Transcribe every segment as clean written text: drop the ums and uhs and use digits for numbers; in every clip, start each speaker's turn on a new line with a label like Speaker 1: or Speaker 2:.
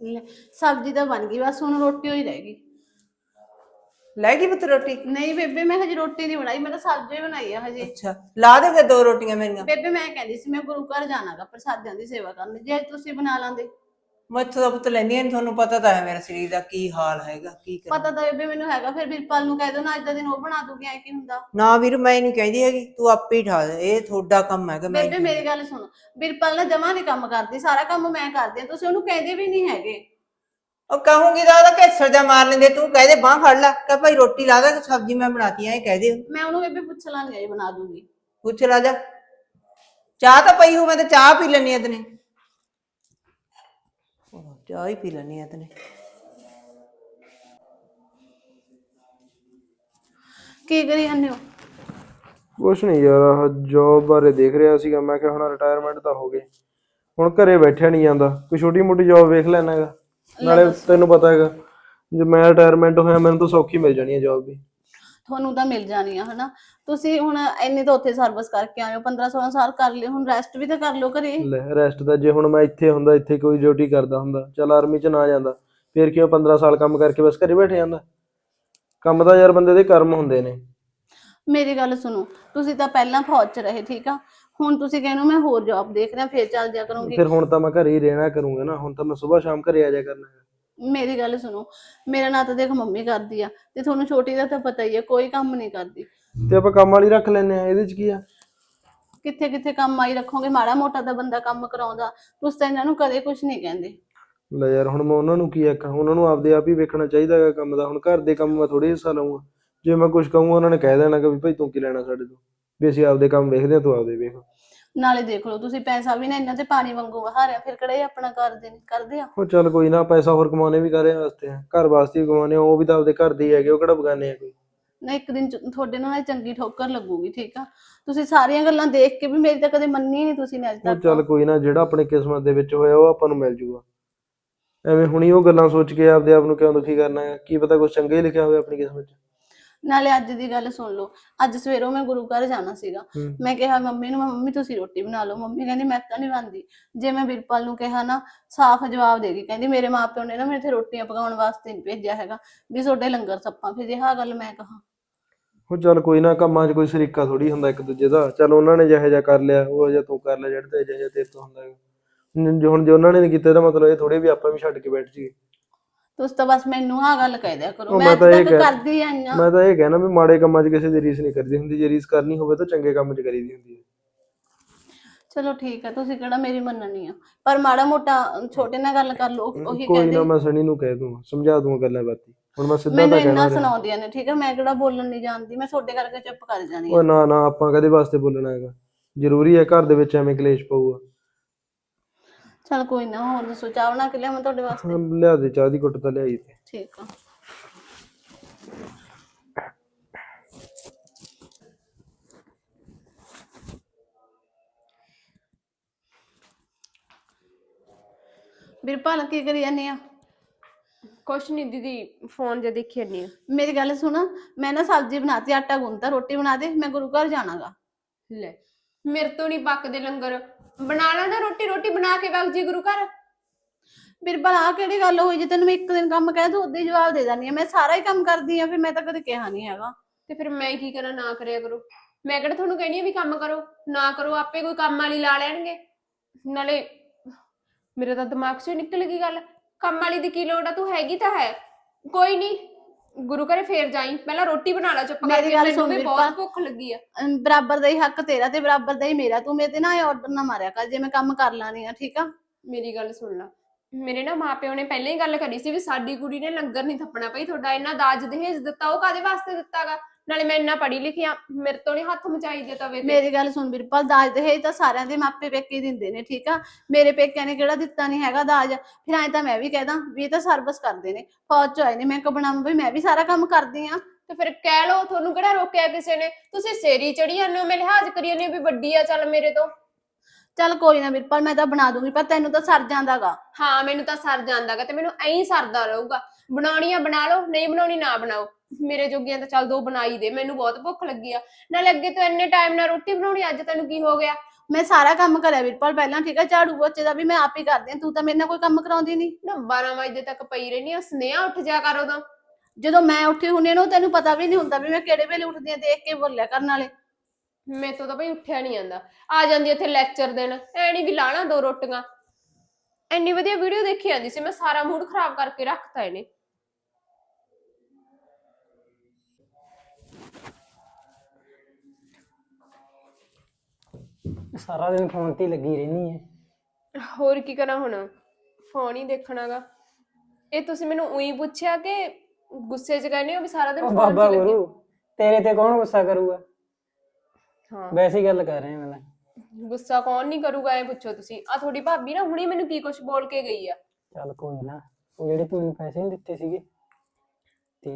Speaker 1: ਲੈ, ਸਬਜ਼ੀ ਤਾਂ ਬਣ ਗਈ, ਬਸ ਹੁਣ ਰੋਟੀ ਹੋਈ ਰਹਿ ਗਈ।
Speaker 2: ਲੈ ਗਈ ਪੁੱਤ ਰੋਟੀ?
Speaker 1: ਨਹੀਂ ਬੇਬੇ, ਮੈਂ ਹਜੇ ਰੋਟੀ ਨਹੀਂ ਬਣਾਈ, ਮੈਂ ਤਾਂ ਸਬਜ਼ੀ ਬਣਾਈ ਆ ਹਜੇ।
Speaker 2: ਅੱਛਾ, ਲਾ ਦੇ ਫਿਰ 2 ਰੋਟੀਆਂ ਮੇਰੀਆਂ।
Speaker 1: ਬੇਬੇ ਮੈਂ ਕਹਿੰਦੀ ਸੀ ਮੈਂ ਗੁਰੂ ਘਰ ਜਾਣਾਗਾ ਪ੍ਰਸਾਦਿਆਂ ਦੀ ਸੇਵਾ ਕਰਨ, ਜੇ ਤੁਸੀਂ ਬਣਾ ਲਾਂਦੇ।
Speaker 2: ਮੈਥੋਂ ਤਾਂ ਪੁੱਤ ਲੈਂਦੀਆਂ ਨੀ, ਤੁਹਾਨੂੰ ਪਤਾ ਤਾਂ ਹੈ ਮੇਰਾ ਸਰੀਰ ਦਾ ਕੀ ਹਾਲ ਹੈਗਾ, ਕੀ ਕਰਾਂ।
Speaker 1: ਪਤਾ ਤਾਂ ਬੇਬੇ ਮੈਨੂੰ ਹੈਗਾ, ਫਿਰ ਵੀਰਪਾਲ ਨੂੰ ਕਹਿ ਦੋ ਨਾ ਅੱਜ ਦਾ ਦਿਨ ਉਹ ਬਣਾ ਦੂਗੀ, ਐ ਕੀ ਹੁੰਦਾ।
Speaker 2: ਨਾ ਵੀਰ, ਮੈਂ ਨਹੀਂ ਕਹਿੰਦੀ ਹੈਗੀ, ਤੂੰ ਆਪੇ ਹੀ ਠਾ ਦੇ, ਇਹ ਤੁਹਾਡਾ ਕੰਮ ਹੈਗਾ, ਮੈਂ
Speaker 1: ਬੇਬੇ ਮੇਰੀ ਗੱਲ ਸੁਣੋ, ਵੀਰਪਾਲ ਨਾ ਜਮਾ ਨਹੀਂ ਕੰਮ ਕਰਦੀ, ਸਾਰਾ ਕੰਮ ਮੈਂ ਕਰਦੀ ਆ, ਤੁਸੀਂ ਉਹਨੂੰ ਕਹਿੰਦੇ ਵੀ ਨਹੀਂ ਹੈਗੇ।
Speaker 2: ਉਹ ਕਹੂੰਗੀ ਤਾਂ ਉਹਦਾ ਘੇਸਰ ਜਾ ਮਾਰ ਲੈਂਦੇ, ਤੂੰ ਕਹਿ ਦੇ ਬਾਂਹ ਫੜ ਲੈ, ਕਹ ਭਾਈ ਰੋਟੀ ਲਾ ਦੇ, ਸਬਜ਼ੀ ਮੈਂ ਬਣਾਤੀ ਐ, ਕਹਿ ਦੇ।
Speaker 1: ਮੈਂ ਉਹਨੂੰ ਬੇਬੇ ਪੁੱਛ ਲਾਂਗੀ, ਇਹ ਬਣਾ ਦੂਗੀ।
Speaker 2: ਪੁੱਛ ਲਾ ਜਾ। ਚਾਹ ਤਾਂ ਪਈ ਹੋ, ਮੈਂ ਤਾਂ ਚਾਹ ਪੀ ਲੈਣੀ ਆ ਤਨੇ, ਚਾਹ ਹੀ ਪੀ ਲੈਣੀ ਆ ਤਨੇ।
Speaker 1: ਕੀ ਕਰੀ ਜਾਂਦੇ ਹੋ?
Speaker 3: ਕੁਛ ਨਹੀਂ ਯਾਰ, ਆਹ ਜੋਬ ਬਾਰੇ ਦੇਖ ਰਿਹਾ ਸੀਗਾ। ਮੈਂ ਕਿਹਾ ਹੁਣ ਰਿਟਾਇਰਮੈਂਟ ਤਾਂ ਹੋ ਗਈ, ਹੁਣ ਘਰੇ ਬੈਠਿਆ ਨਹੀਂ ਜਾਂਦਾ, ਕੋਈ ਛੋਟੀ ਮੋਟੀ ਜੋਬ ਵੇਖ ਲੈਣਾ ਹੈਗਾ। ਨਾਲੇ ਤੈਨੂੰ ਪਤਾ ਹੈਗਾ, ਜੇ ਮੈਂ ਰਿਟਾਇਰਮੈਂਟ ਹੋਇਆ ਮੈਨੂੰ ਤਾਂ ਸੌਖੀ ਮਿਲ ਜਾਣੀ ਹੈ ਜੋਬ ਵੀ।
Speaker 1: ਤੁਹਾਨੂੰ ਤਾਂ ਮਿਲ ਜਾਣੀ ਆ ਹਨਾ, ਤੁਸੀਂ ਹੁਣ ਇੰਨੀ ਤਾਂ ਉੱਥੇ ਸਰਵਿਸ ਕਰਕੇ ਆਏ ਹੋ, 15-16 ਸਾਲ ਕਰ ਲਏ, ਹੁਣ ਰੈਸਟ ਵੀ ਤਾਂ ਕਰ ਲਓ ਘਰੇ।
Speaker 3: ਲੈ ਰੈਸਟ ਤਾਂ ਜੇ ਹੁਣ ਮੈਂ ਇੱਥੇ ਹੁੰਦਾ, ਇੱਥੇ ਕੋਈ ਡਿਊਟੀ ਕਰਦਾ ਹੁੰਦਾ, ਚੱਲ ਆਰਮੀ 'ਚ ਨਾ ਜਾਂਦਾ, ਫਿਰ ਕਿਉਂ 15 ਸਾਲ ਕੰਮ ਕਰਕੇ ਬਸ ਘਰੇ ਬੈਠ ਜਾਂਦਾ। ਕੰਮ ਤਾਂ ਯਾਰ ਬੰਦੇ ਦੇ ਕਰਮ ਹੁੰਦੇ ਨੇ।
Speaker 1: ਮੇਰੀ ਗੱਲ ਸੁਣੋ, ਤੁਸੀਂ ਤਾਂ ਪਹਿਲਾਂ ਫੌਜ 'ਚ ਰਹੇ, ਠੀਕ ਆ, ਹੁਣ ਤੁਸੀਂ ਕਹਿੰਦੇ ਹੋ ਮੈਂ ਹੋਰ ਜੌਬ ਦੇਖ ਰਿਹਾ, ਫੇਰ ਚੱਲ ਜਾ ਕਰੂੰਗੀ।
Speaker 3: ਫਿਰ ਹੁਣ ਤਾਂ ਮੈਂ ਘਰੇ ਹੀ ਰਹਿਣਾ ਕਰੂੰਗਾ ਨਾ, ਹੁਣ ਤਾਂ ਮੈਂ ਸਵੇਰ ਸ਼ਾਮ ਘਰੇ ਆ ਜਾ ਕਰਨਾ ਹੈ।
Speaker 1: ਮੇਰੀ ਗੱਲ ਸੁਣੋ, ਮੇਰਾ ਨਾਂ ਤਾਂ ਦੇਖ ਮੰਮੀ ਕਰਦੀ ਆ, ਤੇ ਤੁਹਾਨੂੰ ਛੋਟੀ ਦਾ ਤਾਂ ਪਤਾ ਹੀ ਆ, ਕੋਈ ਕੰਮ ਨਹੀਂ ਕਰਦੀ।
Speaker 3: ਤੇ ਆਪਾਂ ਕੰਮ ਵਾਲੀ ਰੱਖ ਲੈਨੇ ਆ, ਇਹਦੇ 'ਚ ਕੀ ਆ।
Speaker 1: ਕਿੱਥੇ ਕਿੱਥੇ ਕੰਮ ਆਈ ਰੱਖੋਗੇ, ਮਾੜਾ ਮੋਟਾ ਤਾਂ ਬੰਦਾ ਕੰਮ ਕਰਾਉਂਦਾ, ਤੁਸੀਂ ਤਾਂ ਇਹਨਾਂ ਨੂੰ ਕਦੇ ਕੁਝ ਨਹੀਂ ਕਹਿੰਦੇ।
Speaker 3: ਲੈ ਯਾਰ, ਹੁਣ ਮੈਂ ਉਹਨਾਂ ਨੂੰ ਕੀ ਆਖਾਂ, ਉਹਨਾਂ ਨੂੰ ਆਪਦੇ ਆਪ ਹੀ ਵੇਖਣਾ ਚਾਹੀਦਾ ਹੈਗਾ ਕੰਮ ਦਾ। ਹੁਣ ਘਰ ਦੇ ਕੰਮ ਮੈਂ ਥੋੜੀ ਹਿੱਸਾ ਲਊਂਗਾ, ਜੇ ਮੈਂ ਕੁਝ ਕਹੂੰਗਾ ਉਹਨਾਂ ਨੇ ਕਹਿ ਦੇਣਾ ਕਿ ਵੀ ਭਾਈ ਤੂੰ ਕੀ ਲੈਣਾ ਸਾਡੇ ਤੋਂ, ਵੀ ਅਸੀਂ ਆਪਦੇ ਕੰਮ ਵੇਖਦੇ ਹਾਂ, ਤੂੰ ਆਪਦੇ ਵੇਖ।
Speaker 1: ਨਾਲੇ ਦੇਖ ਲਓ, ਤੁਸੀਂ ਪੈਸਾ ਵੀ ਨਾ ਇਹਨਾਂ ਤੇ ਪਾਣੀ ਵਾਂਗੂ ਵਹਾਰਿਆ, ਫਿਰ ਕਿਹੜਾ ਇਹ ਆਪਣਾ ਕਰਦੇ ਆ।
Speaker 3: ਉਹ ਚੱਲ ਕੋਈ ਨਾ, ਪੈਸਾ ਹੋਰ ਕਮਾਉਣੇ ਵੀ ਕਾਹਦੇ ਵਾਸਤੇ ਆ, ਘਰ ਵਾਸਤੇ ਹੀ ਕਮਾਉਣੇ ਆ, ਉਹ ਵੀ ਤਾਂ ਆਪਦੇ ਘਰ ਦੇ ਹੀ ਹੈਗੇ, ਉਹ ਕਿਹੜਾ ਬਗਾਨੇ ਆ ਕੋਈ।
Speaker 1: ਨਾ ਇੱਕ ਦਿਨ ਤੁਹਾਡੇ ਨਾਲ ਚੰਗੀ ਠੋਕਰ ਲੱਗੂਗੀ, ਠੀਕ ਆ। ਤੁਸੀਂ ਸਾਰੀਆਂ ਗੱਲਾਂ ਦੇਖ ਕੇ ਵੀ ਮੇਰੀ ਤਾਂ ਕਦੇ ਮੰਨੀ ਨਹੀਂ ਤੁਸੀਂ ਨੇ ਅੱਜ
Speaker 3: ਉਹ
Speaker 1: ਤੱਕ।
Speaker 3: ਚੱਲ ਕੋਈ ਨਾ, ਜਿਹੜਾ ਆਪਣੀ ਕਿਸਮਤ ਦੇ ਵਿੱਚ ਹੋਇਆ ਉਹ ਆਪਾਂ ਨੂੰ ਮਿਲ ਜੂਗਾ। ਐਵੇਂ ਹੁਣੀ ਉਹ ਗੱਲਾਂ ਸੋਚ ਕੇ ਆਪਦੇ ਆਪ ਨੂੰ ਕਿਉਂ ਦੁਖੀ ਕਰਨਾ ਹੈ, ਕੀ ਪਤਾ ਕੁਝ ਚੰਗਾ ਹੀ ਲਿਖਿਆ ਹੋਵੇ ਆਪਣੀ ਕਿਸਮਤ 'ਚ।
Speaker 1: ਨਾਲੇ ਅੱਜ ਦੀ ਗੱਲ ਸੁਣ ਲਓ, ਅੱਜ ਸਵੇਰੋਂ ਮੈਂ ਗੁਰੂ ਘਰ ਜਾਣਾ ਸੀਗਾ, ਮੈਂ ਕਿਹਾ ਮੰਮੀ ਨੂੰ, ਮੰਮੀ ਤੁਸੀਂ ਰੋਟੀ ਬਣਾ ਲਓ, ਮੰਮੀ ਕਹਿੰਦੀ ਮੈਂ ਤਾਂ ਨਹੀਂ ਬਣਦੀ। ਜੇ ਮੈਂ ਵੀਰਪਾਲ ਨੂੰ ਕਿਹਾ ਨਾ, ਸਾਫ਼ ਜਵਾਬ ਦੇ ਗਈ, ਕਹਿੰਦੀ ਮੇਰੇ ਮਾਪਿਓ ਨੇ ਨਾ ਮੇਰੇ ਤੇ ਰੋਟੀਆਂ ਪਕਾਉਣ ਵਾਸਤੇ ਨਹੀਂ ਭੇਜਿਆ ਹੈਗਾ, ਵੀ ਤੁਹਾਡੇ ਲੰਗਰ ਸੱਪਾਂ, ਫਿਰ ਆਹ ਗੱਲ ਮੈਂ ਕਹਾ।
Speaker 3: ਉਹ ਚੱਲ ਕੋਈ ਨਾ, ਕੰਮਾਂ 'ਚ ਕੋਈ ਸ਼ਰੀਕਾ ਥੋੜੀ ਹੁੰਦਾ ਇੱਕ ਦੂਜੇ ਦਾ। ਚੱਲ ਉਹਨਾਂ ਨੇ ਜਿਹੋ ਜਿਹਾ ਕਰ ਲਿਆ, ਉਹ ਜਿਹਾ ਤੂੰ ਕਰ ਲਿਆ, ਜਿਹੜਾ ਤੇ ਜਿਹੋ ਜਿਹਾ ਤੇਰੇ ਤੋਂ ਹੁੰਦਾ ਹੈਗਾ। ਹੁਣ ਜੇ ਉਹਨਾਂ ਨੇ ਨਹੀਂ ਕੀਤਾ, ਇਹਦਾ ਮਤਲਬ ਇਹ ਥੋੜੀ ਵੀ ਆਪਾਂ ਵੀ ਛੱਡ ਕੇ ਬੈਠ ਜਾਈਏ।
Speaker 1: ਤੁਸੀਂ ਤਾਂ ਬਸ ਮੈਨੂੰ ਆਹ ਗੱਲ ਕਹਿ ਦਿਆ ਕਰੋ,
Speaker 3: ਉਹ
Speaker 1: ਮੈਂ ਅੱਜ
Speaker 3: ਤਾਂ ਇਹ
Speaker 1: ਤੱਕ ਕਰਦੀ ਆਈ ਆ।
Speaker 3: ਮੈਂ ਤਾਂ ਇਹ ਕਹਿਣਾ ਵੀ ਮਾੜੇ ਕੰਮਾਂ 'ਚ ਕਿਸੇ ਦੀ ਰੀਸ ਨਹੀਂ ਕਰਦੀ ਹੁੰਦੀ, ਜੇ ਰੀਸ ਕਰਨੀ ਹੋਵੇ ਤਾਂ ਚੰਗੇ ਕੰਮ 'ਚ ਕਰੀਦੀ ਹੁੰਦੀ ਹੈ।
Speaker 1: ਚਲੋ ਠੀਕ ਹੈ, ਤੁਸੀਂ ਕਿਹੜਾ ਮੇਰੀ ਮੰਨਣੀ ਆ, ਪਰ ਮਾੜਾ ਮੋਟਾ ਛੋਟੇ ਨਾਲ ਗੱਲ ਕਰ ਲਓ, ਉਹੀ
Speaker 3: ਕੋਈ ਨਾ,
Speaker 1: ਕਹਿੰਦੇ।
Speaker 3: ਮੈਂ ਸਣੀ ਨੂੰ ਕਹਿ ਦੂੰਗਾ, ਸਮਝਾ ਦੂੰਗਾ ਗੱਲਾਂ ਬਾਤੀ। ਹੁਣ ਮੈਂ ਸਿੱਧਾ
Speaker 1: ਮੈਨੂੰ
Speaker 3: ਤਾਂ
Speaker 1: ਇੰਨਾ
Speaker 3: ਕਹਿਣਾ ਰਿਹਾ।
Speaker 1: ਸੁਣਾਉਂਦੀਆਂ ਨੇ, ਠੀਕ ਹੈ, ਮੈਂ ਕਿਹੜਾ ਬੋਲਣ ਨਹੀਂ ਜਾਣਦੀ, ਮੈਂ ਤੁਹਾਡੇ ਕਰਕੇ ਚੁੱਪ ਕਰ ਜਾਣੀ
Speaker 3: ਉਹ
Speaker 1: ਆ।
Speaker 3: ਨਾ ਨਾ, ਆਪਾਂ ਕਦੇ ਵਾਸਤੇ ਬੋਲਣਾ ਹੈਗਾ, ਜ਼ਰੂਰੀ ਹੈ ਘਰ ਦੇ ਵਿੱਚ ਐਵੇਂ ਕਲੇਸ਼ ਪਊਗਾ।
Speaker 1: ਚਲ ਕੋਈ ਨਾ, ਹੋਰ ਦੱਸੋ, ਚਾਹ ਬਣਾ ਕੇ ਲਿਆਵਾਂ ਤੁਹਾਡੇ ਵਾਸਤੇ?
Speaker 3: ਹਾਂ, ਲਿਆ ਦੇ, ਚਾਹ ਦੀ ਘੁੱਟ ਤਾਂ ਲਿਆਈ ਤੇ।
Speaker 1: ਠੀਕ ਆ। ਵੀਰਪਾਲ ਕੀ ਕਰੀ ਜਾਂਦੀ ਆ?
Speaker 4: ਕੁਛ ਨਹੀਂ ਦੀਦੀ, ਫੋਨ ਜੇ ਦੇਖੀ ਜਾਂਦੀ ਆ।
Speaker 1: ਮੇਰੀ ਗੱਲ ਸੁਣ, ਮੈਂ ਨਾ ਸਬਜ਼ੀ ਬਣਾਤੀ, ਆਟਾ ਗੁੰਨਤਾ, ਰੋਟੀ ਬਣਾ ਦੇ, ਮੈਂ ਗੁਰੂ ਘਰ ਜਾਣਾਗਾ।
Speaker 4: ਲੈ, ਮੇਰੇ ਤੋਂ ਨਹੀਂ ਪੱਕਦੇ ਲੰਗਰ, ਬਣਾ ਲਾ ਨਾ ਰੋਟੀ, ਰੋਟੀ ਬਣਾ ਕੇ ਵਗ ਜੀ ਗੁਰੂ ਘਰ।
Speaker 1: ਵੀਰਪਾਲ ਆਹ ਕਿਹੜੀ ਗੱਲ ਹੋਈ, ਜੇ ਤੈਨੂੰ ਮੈਂ ਇੱਕ ਦਿਨ ਕੰਮ ਕਹਿ ਦੂੰ ਉਦੋਂ ਹੀ ਜਵਾਬ ਦੇ ਦਿੰਦੀ ਆ, ਮੈਂ ਸਾਰਾ ਹੀ ਕੰਮ ਕਰਦੀ ਆ, ਫਿਰ ਮੈਂ ਤਾਂ ਕਦੇ ਕਿਹਾ ਨਹੀਂ ਹੈਗਾ।
Speaker 4: ਤੇ ਫਿਰ ਮੈਂ ਕੀ ਕਰਾਂ, ਨਾ ਕਰਿਆ ਕਰੋ। ਮੈਂ ਕਿਹੜਾ ਤੁਹਾਨੂੰ ਕਹਿਣੀ ਆ ਵੀ ਕੰਮ ਕਰੋ, ਨਾ ਕਰੋ, ਆਪੇ ਕੋਈ ਕੰਮ ਵਾਲੀ ਲਾ ਲੈਣਗੇ। ਨਾਲੇ ਮੇਰੇ ਤਾਂ ਦਿਮਾਗ 'ਚੋਂ ਨਿਕਲ ਗਈ ਗੱਲ, ਕੰਮ ਵਾਲੀ ਦੀ ਕੀ ਲੋੜ ਆ, ਤੂੰ ਹੈਗੀ ਤਾਂ ਹੈ। ਕੋਈ ਨਹੀਂ, ਗੁਰੂ ਘਰੇ ਫੇਰ ਜਾਈ, ਪਹਿਲਾਂ ਰੋਟੀ ਬਣਾ ਲੈ ਚੁੱਪ ਕਰਕੇ, ਮੈਨੂੰ ਵੀ ਬਹੁਤ ਭੁੱਖ ਲੱਗੀ ਆ।
Speaker 1: ਬਰਾਬਰ ਦਾ ਹੀ ਹੱਕ ਤੇਰਾ ਤੇ ਬਰਾਬਰ ਦਾ ਹੀ ਮੇਰਾ, ਤੂੰ ਮੇਰੇ ਤੇ ਨਾ ਇਹ ਆਰਡਰ ਨਾ ਮਾਰਿਆ ਕਰ ਜੇ ਮੈਂ ਕੰਮ ਕਰ ਲਾਣੀ ਆ, ਠੀਕ ਆ।
Speaker 4: ਮੇਰੀ ਗੱਲ ਸੁਣ ਲਾ, ਮੇਰੇ ਨਾ ਮਾਪਿਓ ਨੇ ਪਹਿਲਾਂ ਹੀ ਗੱਲ ਕਰੀ ਸੀ ਵੀ ਸਾਡੀ ਕੁੜੀ ਨੇ ਲੰਗਰ ਨਹੀਂ ਥੱਪਣਾ। ਭਾਈ ਤੁਹਾਡਾ ਇੰਨਾ ਦਾਜ ਦਹੇਜ ਦਿੱਤਾ, ਉਹ ਕਾਦੇ ਵਾਸਤੇ ਦਿੱਤਾਗਾ? ਨਾਲੇ ਮੈਂ ਇੰਨਾ ਪੜ੍ਹੀ ਲਿਖੀ ਆ, ਮੇਰੇ ਤੋਂ ਨੀ ਹੱਥ ਮਚਾਈ ਦੇ ਤਵੇ ਤੇ।
Speaker 1: ਮੇਰੀ ਗੱਲ ਸੁਣ ਵੀਰਪਾਲ, ਦਾਜ ਦਹੇਜ ਤਾਂ ਸਾਰਿਆਂ ਦੇ ਮਾਪੇ ਪੇਕੇ ਦਿੰਦੇ ਨੇ, ਠੀਕ ਆ, ਮੇਰੇ ਪੇਕਿਆਂ ਨੇ ਕਿਹੜਾ ਦਿੱਤਾ ਨਹੀਂ ਹੈਗਾ ਦਾਜ। ਫਿਰ ਐਂ ਤਾਂ ਮੈਂ ਵੀ ਕਹਿਦਾ ਵੀ ਇਹ ਤਾਂ ਸਰਵਿਸ ਕਰਦੇ ਨੇ, ਫੌਜ ਚ ਆਏ ਨੇ, ਮੈਂ ਕਬਣਾ ਵੀ ਮੈਂ ਵੀ ਸਾਰਾ ਕੰਮ ਕਰਦੀ ਆ।
Speaker 4: ਤੇ ਫਿਰ ਕਹਿ ਲਓ, ਤੁਹਾਨੂੰ ਕਿਹੜਾ ਰੋਕਿਆ ਕਿਸੇ ਨੇ? ਤੁਸੀਂ ਸੇਰੀ ਚੜੀ ਜਾਂਦੇ ਹੋ, ਮੈਂ ਲਿਹਾਜ਼ ਕਰੀ ਜਾਂਦੀ ਵੀ ਵੱਡੀ ਆ ਚੱਲ ਮੇਰੇ ਤੋਂ।
Speaker 1: ਚੱਲ ਕੋਈ ਨਾ ਵੀਰਪਾਲ, ਮੈਂ ਤਾਂ ਬਣਾ ਦੂੰਗੀ, ਪਰ ਤੈਨੂੰ ਤਾਂ ਸਰ ਜਾਂਦਾਗਾ।
Speaker 4: ਹਾਂ, ਮੈਨੂੰ ਤਾਂ ਸਰ ਜਾਂਦਾਗਾ, ਤੇ ਮੈਨੂੰ ਐਂ ਸਰਦਾ ਰਹੂਗਾ। ਬਣਾਉਣੀ ਆ ਬਣਾ ਲਓ, ਨਹੀਂ ਬਣਾਉਣੀ ਨਾ ਬਣਾਓ, ਮੇਰੇ ਜੋਗੀਆਂ ਤਾਂ ਚੱਲ 2 ਬਣਾਈ ਦੇ, ਮੈਨੂੰ ਬਹੁਤ ਭੁੱਖ ਲੱਗੀ ਆ। ਨਾਲੇ ਅੱਗੇ ਤੋਂ ਇੰਨੇ ਟਾਈਮ ਨਾਲ ਰੋਟੀ ਬਣਾਉਣੀ, ਅੱਜ ਤੈਨੂੰ ਕੀ ਹੋ ਗਿਆ?
Speaker 1: ਮੈਂ ਸਾਰਾ ਕੰਮ ਕਰਿਆ ਵੀਰਪਾਲ ਪਹਿਲਾਂ, ਠੀਕ ਹੈ, ਝਾੜੂ ਪੋਚੇ ਦਾ ਵੀ ਮੈਂ ਆਪ ਹੀ ਕਰਦੀ ਹਾਂ, ਤੂੰ ਤਾਂ ਮੇਰੇ ਨਾਲ ਕੋਈ ਕੰਮ ਕਰਾਉਂਦੀ ਨਹੀਂ।
Speaker 4: ਨਾ 12 ਵਜੇ ਤੱਕ ਪਈ ਰਹਿਨੀ ਆ, ਸੁਨੇਹਾ ਉੱਠ ਜਾ ਕਰ ਉਦੋਂ।
Speaker 1: ਜਦੋਂ ਮੈਂ ਉੱਠੀ ਹੁੰਦੀ ਹਾਂ ਨਾ, ਤੈਨੂੰ ਪਤਾ ਵੀ ਨਹੀਂ ਹੁੰਦਾ ਵੀ ਮੈਂ ਕਿਹੜੇ ਵੇਲੇ ਉੱਠਦੀ ਹਾਂ, ਦੇਖ ਕੇ ਬੋਲਿਆ ਕਰਨ ਵਾਲੇ।
Speaker 4: ਮੇਰੇ ਤੋਂ ਤਾਂ ਬਈ ਉੱਠਿਆ ਨਹੀਂ ਜਾਂਦਾ। ਆ ਜਾਂਦੀ ਇੱਥੇ ਲੈਕਚਰ ਦੇਣ, ਐ ਨਹੀਂ ਵੀ ਲਾਣਾ 2 ਰੋਟੀਆਂ। ਇੰਨੀ ਵਧੀਆ ਵੀਡੀਓ ਦੇਖੀ ਜਾਂਦੀ ਸੀ ਮੈਂ, ਸਾਰਾ ਮੂਡ ਖਰਾਬ ਕਰਕੇ ਰੱਖਤਾ ਇਹਨੇ।
Speaker 5: ਸਾਰਾ ਦਿਨ ਫੋਨ ਤੇ ਹੀ ਲੱਗੀ ਰਹਿੰਦੀ ਹੈ।
Speaker 4: ਹੋਰ ਕੀ ਕਰਾਂ ਹੁਣ, ਫੋਨ ਹੀ ਦੇਖਣਾਗਾ। ਇਹ ਤੁਸੀਂ ਮੈਨੂੰ ਉਹੀ ਪੁੱਛਿਆ ਕਿ ਗੁੱਸੇ 'ਚ ਕਹਿੰਦੇ ਹੋ ਵੀ ਸਾਰਾ ਦਿਨ
Speaker 5: ਉਹ
Speaker 4: ਫੋਨ 'ਚ
Speaker 5: ਬਾਬਾ
Speaker 4: ਲੱਗੇ?
Speaker 5: ਗੁਰੂ, ਤੇਰੇ ਤੇ ਕੌਣ ਗੁੱਸਾ ਕਰੂਗਾ?
Speaker 4: ਹਾਂ,
Speaker 5: ਵੈਸੇ ਹੀ ਗੱਲ ਕਰ ਰਹੇ ਹਾਂ ਮੈਂ।
Speaker 4: ਗੁੱਸਾ ਕੌਣ ਨਹੀਂ ਕਰੂਗਾ, ਇਹ ਪੁੱਛੋ ਤੁਸੀਂ। ਆ ਤੁਹਾਡੀ ਭਾਬੀ ਨਾ ਹੁਣੀ ਮੈਨੂੰ ਕੀ ਕੁਛ ਬੋਲ ਕੇ ਗਈ ਆ।
Speaker 5: ਚੱਲ ਕੋਈ ਨਾ, ਉਹ ਜਿਹੜੇ ਤੂੰ ਮੈਨੂੰ ਪੈਸੇ ਨਹੀਂ ਦਿੱਤੇ ਸੀਗੇ ਤੇ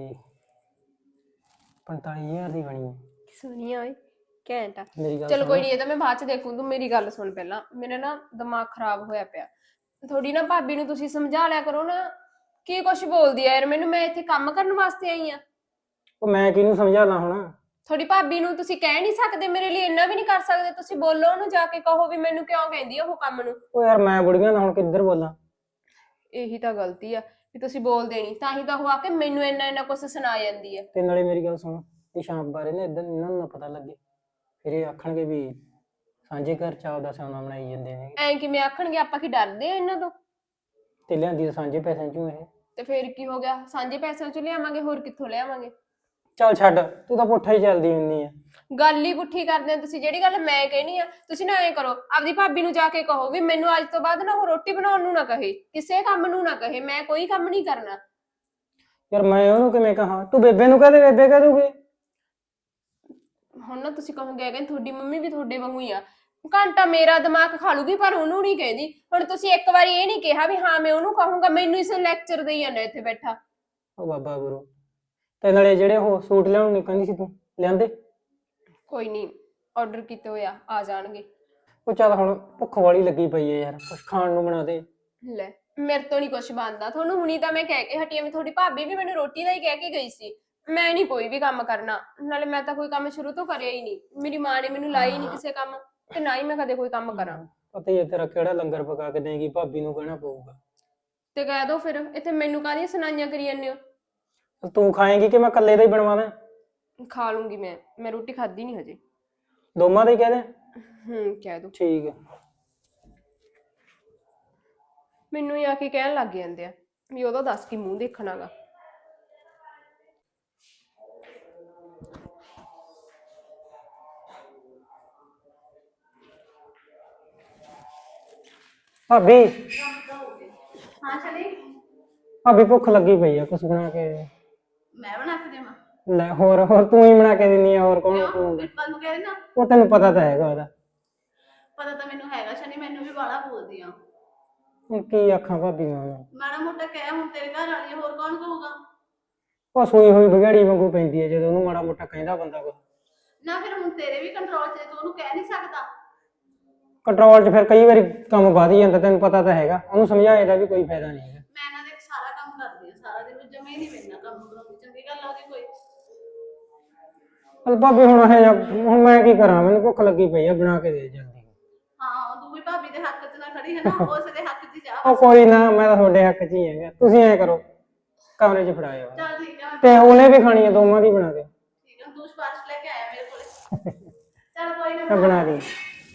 Speaker 5: 45,000 ਦੀ ਬਣੀ ਹੈ।
Speaker 4: ਸੁਣੀਆ ਓਏ, ਘੈਂਟ ਆ।
Speaker 5: ਮੇਰੀ ਗੱਲ
Speaker 4: ਚਲੋ
Speaker 5: ਸੁਣ।
Speaker 4: ਕੋਈ ਨਹੀਂ, ਇਹ ਤਾਂ ਮੈਂ ਬਾਅਦ 'ਚ ਦੇਖੂ। ਤੂੰ ਮੇਰੀ ਗੱਲ ਸੁਣ ਪਹਿਲਾਂ, ਮੇਰਾ ਨਾ ਦਿਮਾਗ ਖਰਾਬ ਹੋਇਆ ਪਿਆ। ਥੋੜੀ ਨਾ ਭਾਬੀ ਨੂੰ ਤੁਸੀਂ ਸਮਝਾ ਲਿਆ ਕਰੋ ਨਾ, ਕੀ ਕੁਛ ਬੋਲਦੀ ਆ ਯਾਰ ਮੈਨੂੰ। ਮੈਂ ਇੱਥੇ ਕੰਮ ਕਰਨ ਵਾਸਤੇ ਆਈ ਆ।
Speaker 5: ਉਹ ਮੈਂ ਕਿਹਨੂੰ ਸਮਝਾ ਲਾਂ ਹੁਣ?
Speaker 4: ਥੋੜੀ ਭਾਬੀ ਨੂੰ ਤੁਸੀਂ ਕਹਿ ਨਹੀਂ ਸਕਦੇ ਮੇਰੇ ਲਈ? ਇੰਨਾ ਵੀ ਨਹੀਂ ਕਰ ਸਕਦੇ ਤੁਸੀਂ? ਬੋਲੋ ਉਹਨੂੰ ਜਾ ਕੇ, ਕਹੋ ਵੀ ਮੈਨੂੰ ਕਿਉਂ ਕਹਿੰਦੀ ਆ ਉਹ ਕੰਮ ਨੂੰ।
Speaker 5: ਉਹ ਯਾਰ ਮੈਂ ਬੁੜੀਆਂ ਦਾ ਹੁਣ ਕਿੱਧਰ ਬੋਲਾਂ?
Speaker 4: ਇਹੀ ਤਾਂ ਗਲਤੀ ਆ ਵੀ ਤੁਸੀਂ ਬੋਲਦੇ ਨਹੀਂ, ਤਾਂ ਹੀ ਤਾਂ ਉਹ ਆ ਕੇ ਮੈਨੂੰ ਇੰਨਾ ਕੁਛ ਸੁਣਾ ਜਾਂਦੀ ਆ।
Speaker 5: ਤੇ ਨਾਲੇ ਮੇਰੀ ਗੱਲ ਸੁਣ, ਇਹ ਸ਼ਾਮ ਬਾਰੇ ਨਾ ਇਦਾਂ ਇਹਨਾਂ ਨੂੰ ਨਾ ਪਤਾ ਲੱਗੇ, ਫਿਰ ਇਹ ਆਖਣਗੇ ਵੀ ਸਾਂਝੇ ਘਰ ਚ ਆਪਦਾ ਸਿਆਣਾ ਬਣਾਈ ਜਾਂਦੇ ਨੇ।
Speaker 4: ਐਂ ਕਿਵੇਂ ਆਖਣਗੇ? ਆਪਾਂ ਕੀ ਡਰਦੇ ਆ ਇਹਨਾਂ ਤੋਂ?
Speaker 5: ਤੇ ਲਿਆਂਦੀ ਤਾਂ ਸਾਂਝੇ ਪੈਸਿਆਂ ਚੋਂ ਇਹ।
Speaker 4: ਤੇ ਫੇਰ ਕੀ ਹੋ ਗਿਆ? ਸਾਂਝੇ ਪੈਸਿਆਂ ਚੋਂ ਲਿਆਵਾਂਗੇ, ਹੋਰ ਕਿੱਥੋਂ ਲਿਆਵਾਂਗੇ?
Speaker 5: ਚੱਲ ਛੱਡ, ਤੂੰ ਤਾਂ ਪੁੱਠਾ ਹੀ ਚੱਲਦੀ ਹੁੰਦੀ ਆ।
Speaker 4: ਗੱਲ ਹੀ ਪੁੱਠੀ ਕਰਦੇ ਆ ਤੁਸੀਂ। ਜਿਹੜੀ ਗੱਲ ਮੈਂ ਕਹਿਣੀ ਆ ਤੁਸੀਂ ਨਾ ਐਂ ਕਰੋ, ਆਪਦੀ ਭਾਬੀ ਨੂੰ ਜਾ ਕੇ ਕਹੋ ਵੀ ਮੈਨੂੰ ਅੱਜ ਤੋਂ ਬਾਅਦ ਨਾ ਉਹ ਰੋਟੀ ਬਣਾਉਣ ਨੂੰ ਨਾ ਕਹੇ, ਕਿਸੇ ਕੰਮ ਨੂੰ ਨਾ ਕਹੇ। ਮੈਂ ਕੋਈ ਕੰਮ ਨਹੀਂ ਕਰਨਾ।
Speaker 5: ਯਾਰ ਮੈਂ ਉਹਨੂੰ ਕਿਵੇਂ ਕਹਾਂ? ਤੂੰ ਬੇਬੇ ਨੂੰ ਕਹਦੇ, ਬੇਬੇ ਕਹਿ ਦੂਗੀ।
Speaker 4: ਹੁਣ ਨਾ ਤੁਸੀਂ ਕਹੋਗੇ ਕਿ ਤੁਹਾਡੀ ਮੰਮੀ ਵੀ ਤੁਹਾਡੇ ਵਾਂਗੂ ਹੀ ਆ। ਘੰਟਾ ਮੇਰਾ ਦਿਮਾਗ ਖਾ ਲੂਗੀ ਪਰ ਉਹਨੂੰ ਨਹੀਂ ਕਹਿੰਦੀ। ਹੁਣ ਤੁਸੀਂ ਇੱਕ ਵਾਰੀ ਇਹ ਨਹੀਂ ਕਿਹਾ ਵੀ ਹਾਂ ਮੈਂ ਉਹਨੂੰ ਕਹੂੰਗਾ, ਮੈਨੂੰ ਇਸ ਲੈਕਚਰ ਦੇਈ ਜਾਂਦਾ ਇੱਥੇ ਬੈਠਾ।
Speaker 5: ਉਹ ਬਾਬਾ ਗੁਰੂ, ਤੇ ਨਾਲੇ ਜਿਹੜੇ ਉਹ ਸੂਟ ਲਿਆਉਣ ਨੂੰ ਕਹਿੰਦੀ ਸੀ ਤੂੰ, ਲਿਆਂਦੇ?
Speaker 4: ਕੋਈ ਨਹੀਂ, ਆਰਡਰ ਕੀਤੇ ਹੋਇਆ, ਆ ਜਾਣਗੇ।
Speaker 5: ਉਹ ਚੱਲ ਹੁਣ ਭੁੱਖ ਵਾਲੀ ਲੱਗੀ ਪਈ ਹੈ ਯਾਰ, ਕੁਛ ਖਾਣ ਨੂੰ ਬਣਾ ਦੇ।
Speaker 4: ਲੈ ਮੇਰੇ ਤੋਂ ਨਹੀਂ ਕੁਛ ਬਣਦਾ। ਤੁਹਾਨੂੰ ਹੁਣੀ ਤਾਂ ਮੈਂ ਕਹਿ ਕੇ ਹਟੀ ਆ ਵੀ ਤੁਹਾਡੀ ਭਾਬੀ ਵੀ ਮੈਨੂੰ ਰੋਟੀ ਦਾ ਹੀ ਕਹਿ ਕੇ ਗਈ ਸੀ। ਮੈਂ ਨਹੀਂ ਕੋਈ ਵੀ ਕੰਮ ਕਰਨਾ, ਨਾਲੇ ਮੈਂ ਤਾਂ ਕੋਈ ਕੰਮ ਸ਼ੁਰੂ ਤੋਂ ਕਰਿਆ ਹੀ ਨਹੀਂ। ਮੇਰੀ ਮਾਂ ਨੇ ਮੈਨੂੰ ਲਾਈ ਨਹੀਂ ਕਿਸੇ ਕੰਮ, ਤੇ ਨਾ ਹੀ ਮੈਂ ਕਦੇ ਕੋਈ ਕੰਮ ਕਰਾਂ।
Speaker 5: ਪਤਾ ਹੀ ਹੈ ਤੇਰਾ ਕਿਹੜਾ ਲੰਗਰ ਪਕਾ ਕੇ ਦੇਂਗੀ, ਭਾਬੀ ਨੂੰ ਕਹਿਣਾ ਪਊਗਾ।
Speaker 4: ਤੇ ਕਹਿ ਦੋ ਫਿਰ, ਇੱਥੇ ਮੈਨੂੰ ਕਾਹਦੀਆਂ ਸੁਣਾਈਆਂ ਕਰੀ ਜਾਂਦੇ ਹੋ?
Speaker 5: ਤੂੰ ਖਾਏਂਗੀ ਕਿ ਮੈਂ ਇਕੱਲੇ ਦਾ ਹੀ ਬਣਵਾ ਦਾਂ?
Speaker 4: ਖਾ ਲੂੰਗੀ ਮੈਂ ਰੋਟੀ ਖਾਧੀ ਨਹੀਂ ਹਜੇ।
Speaker 5: ਦੋਵਾਂ ਦਾ ਹੀ ਕਹਿ ਦੇ।
Speaker 4: ਕਹਿ ਦੋ।
Speaker 5: ਠੀਕ ਹੈ।
Speaker 4: ਮੈਨੂੰ ਹੀ ਆ ਕੇ ਕਹਿਣ ਲੱਗ ਜਾਂਦੇ ਆ ਵੀ ਉਹਦਾ ਦੱਸ ਕੀ ਮੂੰਹ ਦੇਖਣਾਗਾ।
Speaker 5: ਭਾਬੀ,
Speaker 1: ਹਾਂ ਚਲੀ,
Speaker 5: ਭਾਬੀ ਭੁੱਖ ਲੱਗੀ ਪਈ ਆ, ਕੁਛ ਬਣਾ ਕੇ ਦੇ।
Speaker 1: ਮੈਂ ਬਣਾ ਕੇ ਦੇਵਾਂ?
Speaker 5: ਲੈ ਹੋਰ ਤੂੰ ਹੀ ਬਣਾ ਕੇ ਦਿੰਦੀ ਆ, ਹੋਰ ਕੌਣ ਬਣਾਊਗਾ?
Speaker 1: ਵੀਰਪਾਲ ਨੂੰ ਕਹਿ ਦੇਣਾ।
Speaker 5: ਉਹ ਤੈਨੂੰ ਪਤਾ ਤਾਂ ਹੈਗਾ ਉਹਦਾ।
Speaker 1: ਪਤਾ ਤਾਂ ਮੈਨੂੰ ਹੈਗਾ ਸ਼ਨੀ, ਮੈਨੂੰ ਵੀ ਬਾਲਾ ਬੋਲਦੀ ਆ।
Speaker 5: ਹੁਣ ਕੀ ਆਖਾਂ ਭਾਬੀ ਨੂੰ?
Speaker 1: ਮਾੜਾ ਮੋਟਾ ਕਹਿ, ਹੁਣ ਤੇਰੇ ਘਰ ਵਾਲੀ ਆ, ਹੋਰ ਕੌਣ ਕਹੂਗਾ?
Speaker 5: ਉਹ ਸੂਈ ਹੋਈ ਵਿਗੜੀ ਵਾਂਗੂ ਪੈਂਦੀ ਹੈ ਜਦੋਂ ਉਹਨੂੰ ਮਾੜਾ ਮੋਟਾ ਕਹਿੰਦਾ ਬੰਦਾ ਕੁਛ।
Speaker 1: ਨਾ ਫਿਰ ਹੁਣ ਤੇਰੇ ਵੀ ਕੰਟਰੋਲ 'ਚ, ਤੂੰ ਉਹਨੂੰ ਕਹਿ ਨਹੀਂ ਸਕਦਾ?
Speaker 5: ਕੰਟਰੋਲ 'ਚ ਫਿਰ ਕਈ ਵਾਰੀ ਕੰਮ ਵਧ ਹੀ ਜਾਂਦਾ, ਤੈਨੂੰ ਪਤਾ ਤਾਂ ਹੈਗਾ। ਉਹਨੂੰ ਸਮਝਾਏ ਦਾ ਵੀ ਕੋਈ ਫਾਇਦਾ ਨਹੀਂ ਹੈਗਾ।
Speaker 1: ਮੈਂ ਇਹਨਾਂ ਦੇ ਸਾਰਾ ਕੰਮ ਕਰਦੀ ਆ, ਸਾਰਾ ਦਿਨ ਜਮੇ ਹੀ ਨਹੀਂ ਮੇਰੇ ਕੰਮ ਕਰਾਉਂਦੀ। ਚੰਗੀ ਗੱਲ ਆ ਉਹਦੀ ਕੋਈ?
Speaker 5: ਚੱਲ ਭਾਬੀ ਹੁਣ ਹੁਣ ਮੈਂ ਕੀ ਕਰਾਂ? ਮੈਨੂੰ ਭੁੱਖ ਲੱਗੀ ਪਈ ਆ, ਬਣਾ ਕੇ ਦੇ ਜਲਦੀ।
Speaker 1: ਹਾਂ, ਤੂੰ ਵੀ ਭਾਬੀ ਦੇ ਹੱਕ 'ਚ ਨਾ ਖੜੀ ਹੈ ਨਾ, ਉਸ ਦੇ ਹੱਕ 'ਚ ਜਾ।
Speaker 5: ਉਹ ਕੋਈ ਨਾ, ਮੈਂ ਤਾਂ ਤੁਹਾਡੇ ਹੱਕ 'ਚ ਹੀ ਹੈਗਾ। ਤੁਸੀਂ ਐਂ ਕਰੋ, ਕਮਰੇ 'ਚ ਫੜਾਇਓ
Speaker 1: ਚੱਲ ਠੀਕ ਆ,
Speaker 5: ਤੇ ਉਹਨੇ ਵੀ ਖਾਣੀ ਹੈ, ਦੋਵਾਂ ਦੀ ਬਣਾ ਦਿਓ।
Speaker 1: ਠੀਕ ਆ, ਤੂੰ ਸਪਾਰਸ਼ ਲੈ ਕੇ ਆਇਆ ਮੇਰੇ ਕੋਲੇ। ਚੱਲ ਕੋਈ ਨਾ,
Speaker 5: ਮੈਂ ਬਣਾ ਦੀ।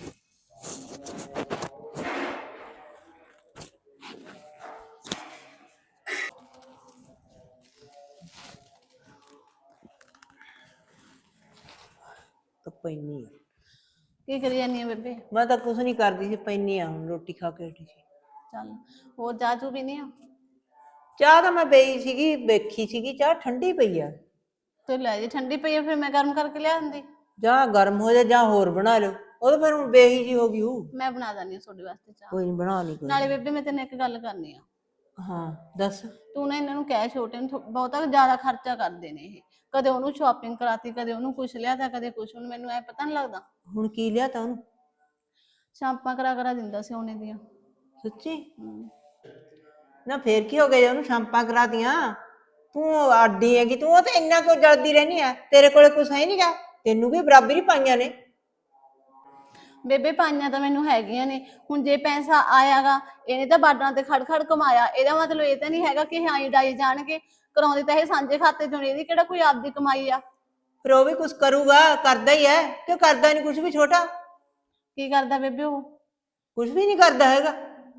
Speaker 2: ਤਾਂ ਪੈਣੀ ਆ।
Speaker 1: ਕੀ ਕਰੀ ਜਾਨੀ ਆ ਬੇਬੇ?
Speaker 2: ਮੈਂ ਤਾਂ ਕੁਛ ਨਹੀਂ ਕਰਦੀ ਸੀ, ਪੈਣੀ ਆ ਹੁਣ, ਰੋਟੀ ਖਾ ਕੇ ਹਟੀ ਸੀ।
Speaker 1: ਚੱਲ, ਹੋਰ ਚਾਹ ਚੂ ਪੀਨੀ ਆ?
Speaker 2: ਚਾਹ ਤਾਂ ਮੈਂ ਪਈ ਸੀਗੀ, ਵੇਖੀ ਸੀਗੀ, ਚਾਹ ਠੰਡੀ ਪਈ ਆ।
Speaker 1: ਤੇ ਲੈ ਜੇ ਠੰਡੀ ਪਈ ਆ ਫਿਰ ਮੈਂ ਗਰਮ ਕਰਕੇ ਲਿਆ ਦਿੰਦੀ।
Speaker 2: ਜਾਂ ਗਰਮ ਹੋ ਜਾ ਜਾਂ ਹੋਰ ਬਣਾ ਲਓ, ਉਹ ਤਾਂ ਫਿਰ ਹੁਣ ਬੇਹੀ ਜੀ ਹੋ ਗਈ ਹੂ।
Speaker 1: ਮੈਂ ਬਣਾ ਦਿੰਦੀ ਆ ਤੁਹਾਡੇ ਵਾਸਤੇ ਚਾਹ।
Speaker 2: ਕੋਈ ਨਹੀਂ, ਬਣਾ ਲਈ ਕੋਈ
Speaker 1: ਨਾਲੇ
Speaker 2: ਨੀ।
Speaker 1: ਬੇਬੇ ਮੈਂ ਤੈਨੂੰ ਇੱਕ ਗੱਲ ਕਰਨੀ ਆ।
Speaker 2: ਹਾਂ ਦੱਸ।
Speaker 1: ਤੂੰ ਨਾ ਇਹਨਾਂ ਨੂੰ ਕਹਿ, ਛੋਟੇ ਨੂੰ ਬਹੁਤਾ ਜ਼ਿਆਦਾ ਖਰਚਾ ਕਰਦੇ ਨੇ ਇਹ। ਕਦੇ ਉਹਨੂੰ ਸ਼ਾਪਿੰਗ ਕਰਾਤੀ, ਕਦੇ ਉਹਨੂੰ ਕੁਛ ਲਿਆਤਾ, ਕਦੇ ਕੁਛ। ਹੁਣ ਮੈਨੂੰ ਐ ਪਤਾ ਨੀ ਲੱਗਦਾ।
Speaker 2: ਹੁਣ ਕੀ ਲਿਆ ਤਾ ਉਹਨੂੰ?
Speaker 1: ਸ਼ਾਂਪਾਂ ਕਰਾ ਦਿੰਦਾ ਸੀ ਉਹਨੇ ਦੀਆਂ।
Speaker 2: ਸੱਚੀ? ਨਾ ਫੇਰ ਕੀ ਹੋ ਗਿਆ ਜੇ ਉਹਨੂੰ ਸ਼ਾਂਪਾਂ ਕਰਾਤੀਆਂ? ਤੂੰ ਆਡੀ ਹੈਗੀ, ਤੂੰ ਉਹ ਤਾਂ ਇੰਨਾ ਕੁ ਜਲਦੀ ਰਹਿਨੀ ਆ, ਤੇਰੇ ਕੋਲੇ ਕੁਛ ਹੈ ਨਹੀਂਗਾ, ਤੈਨੂੰ ਵੀ ਬਰਾਬਰ ਹੀ ਪਾਈਆਂ ਨੇ।
Speaker 1: ਬੇਬੇ ਪਾਈਆਂ ਤਾਂ ਮੈਨੂੰ ਹੈਗੀਆਂ ਨੇ। ਹੁਣ ਜੇ ਪੈਸਾ ਆਇਆਗਾ, ਇਹਨੇ ਤਾਂ ਬਾਰਡਰਾਂ ਤੇ ਖੜ ਖੜ ਕਮਾਇਆ, ਇਹਦਾ ਮਤਲਬ ਇਹ ਤਾਂ ਨਹੀਂ ਹੈਗਾ ਕਿ ਹਾਂ ਡਾਈ ਜਾਣਗੇ। ਕਰਾਉਂਦੇ ਤਾਂ ਇਹ ਸਾਂਝੇ ਖਾਤੇ ਚੋਂ ਨੇ, ਇਹਦੀ ਕਿਹੜਾ ਕੋਈ ਆਪਦੀ ਕਮਾਈ ਆ।
Speaker 2: ਫਿਰ ਉਹ ਵੀ ਕੁਝ ਕਰੂਗਾ, ਕਰਦਾ ਹੀ ਹੈ, ਕਿਉਂ ਕਰਦਾ ਨਹੀਂ ਕੁਝ ਵੀ ਛੋਟਾ?
Speaker 1: ਕੀ ਕਰਦਾ ਬੇਬੇ ਉਹ?
Speaker 2: ਕੁਝ ਵੀ ਨਹੀਂ ਕਰਦਾ ਹੈਗਾ।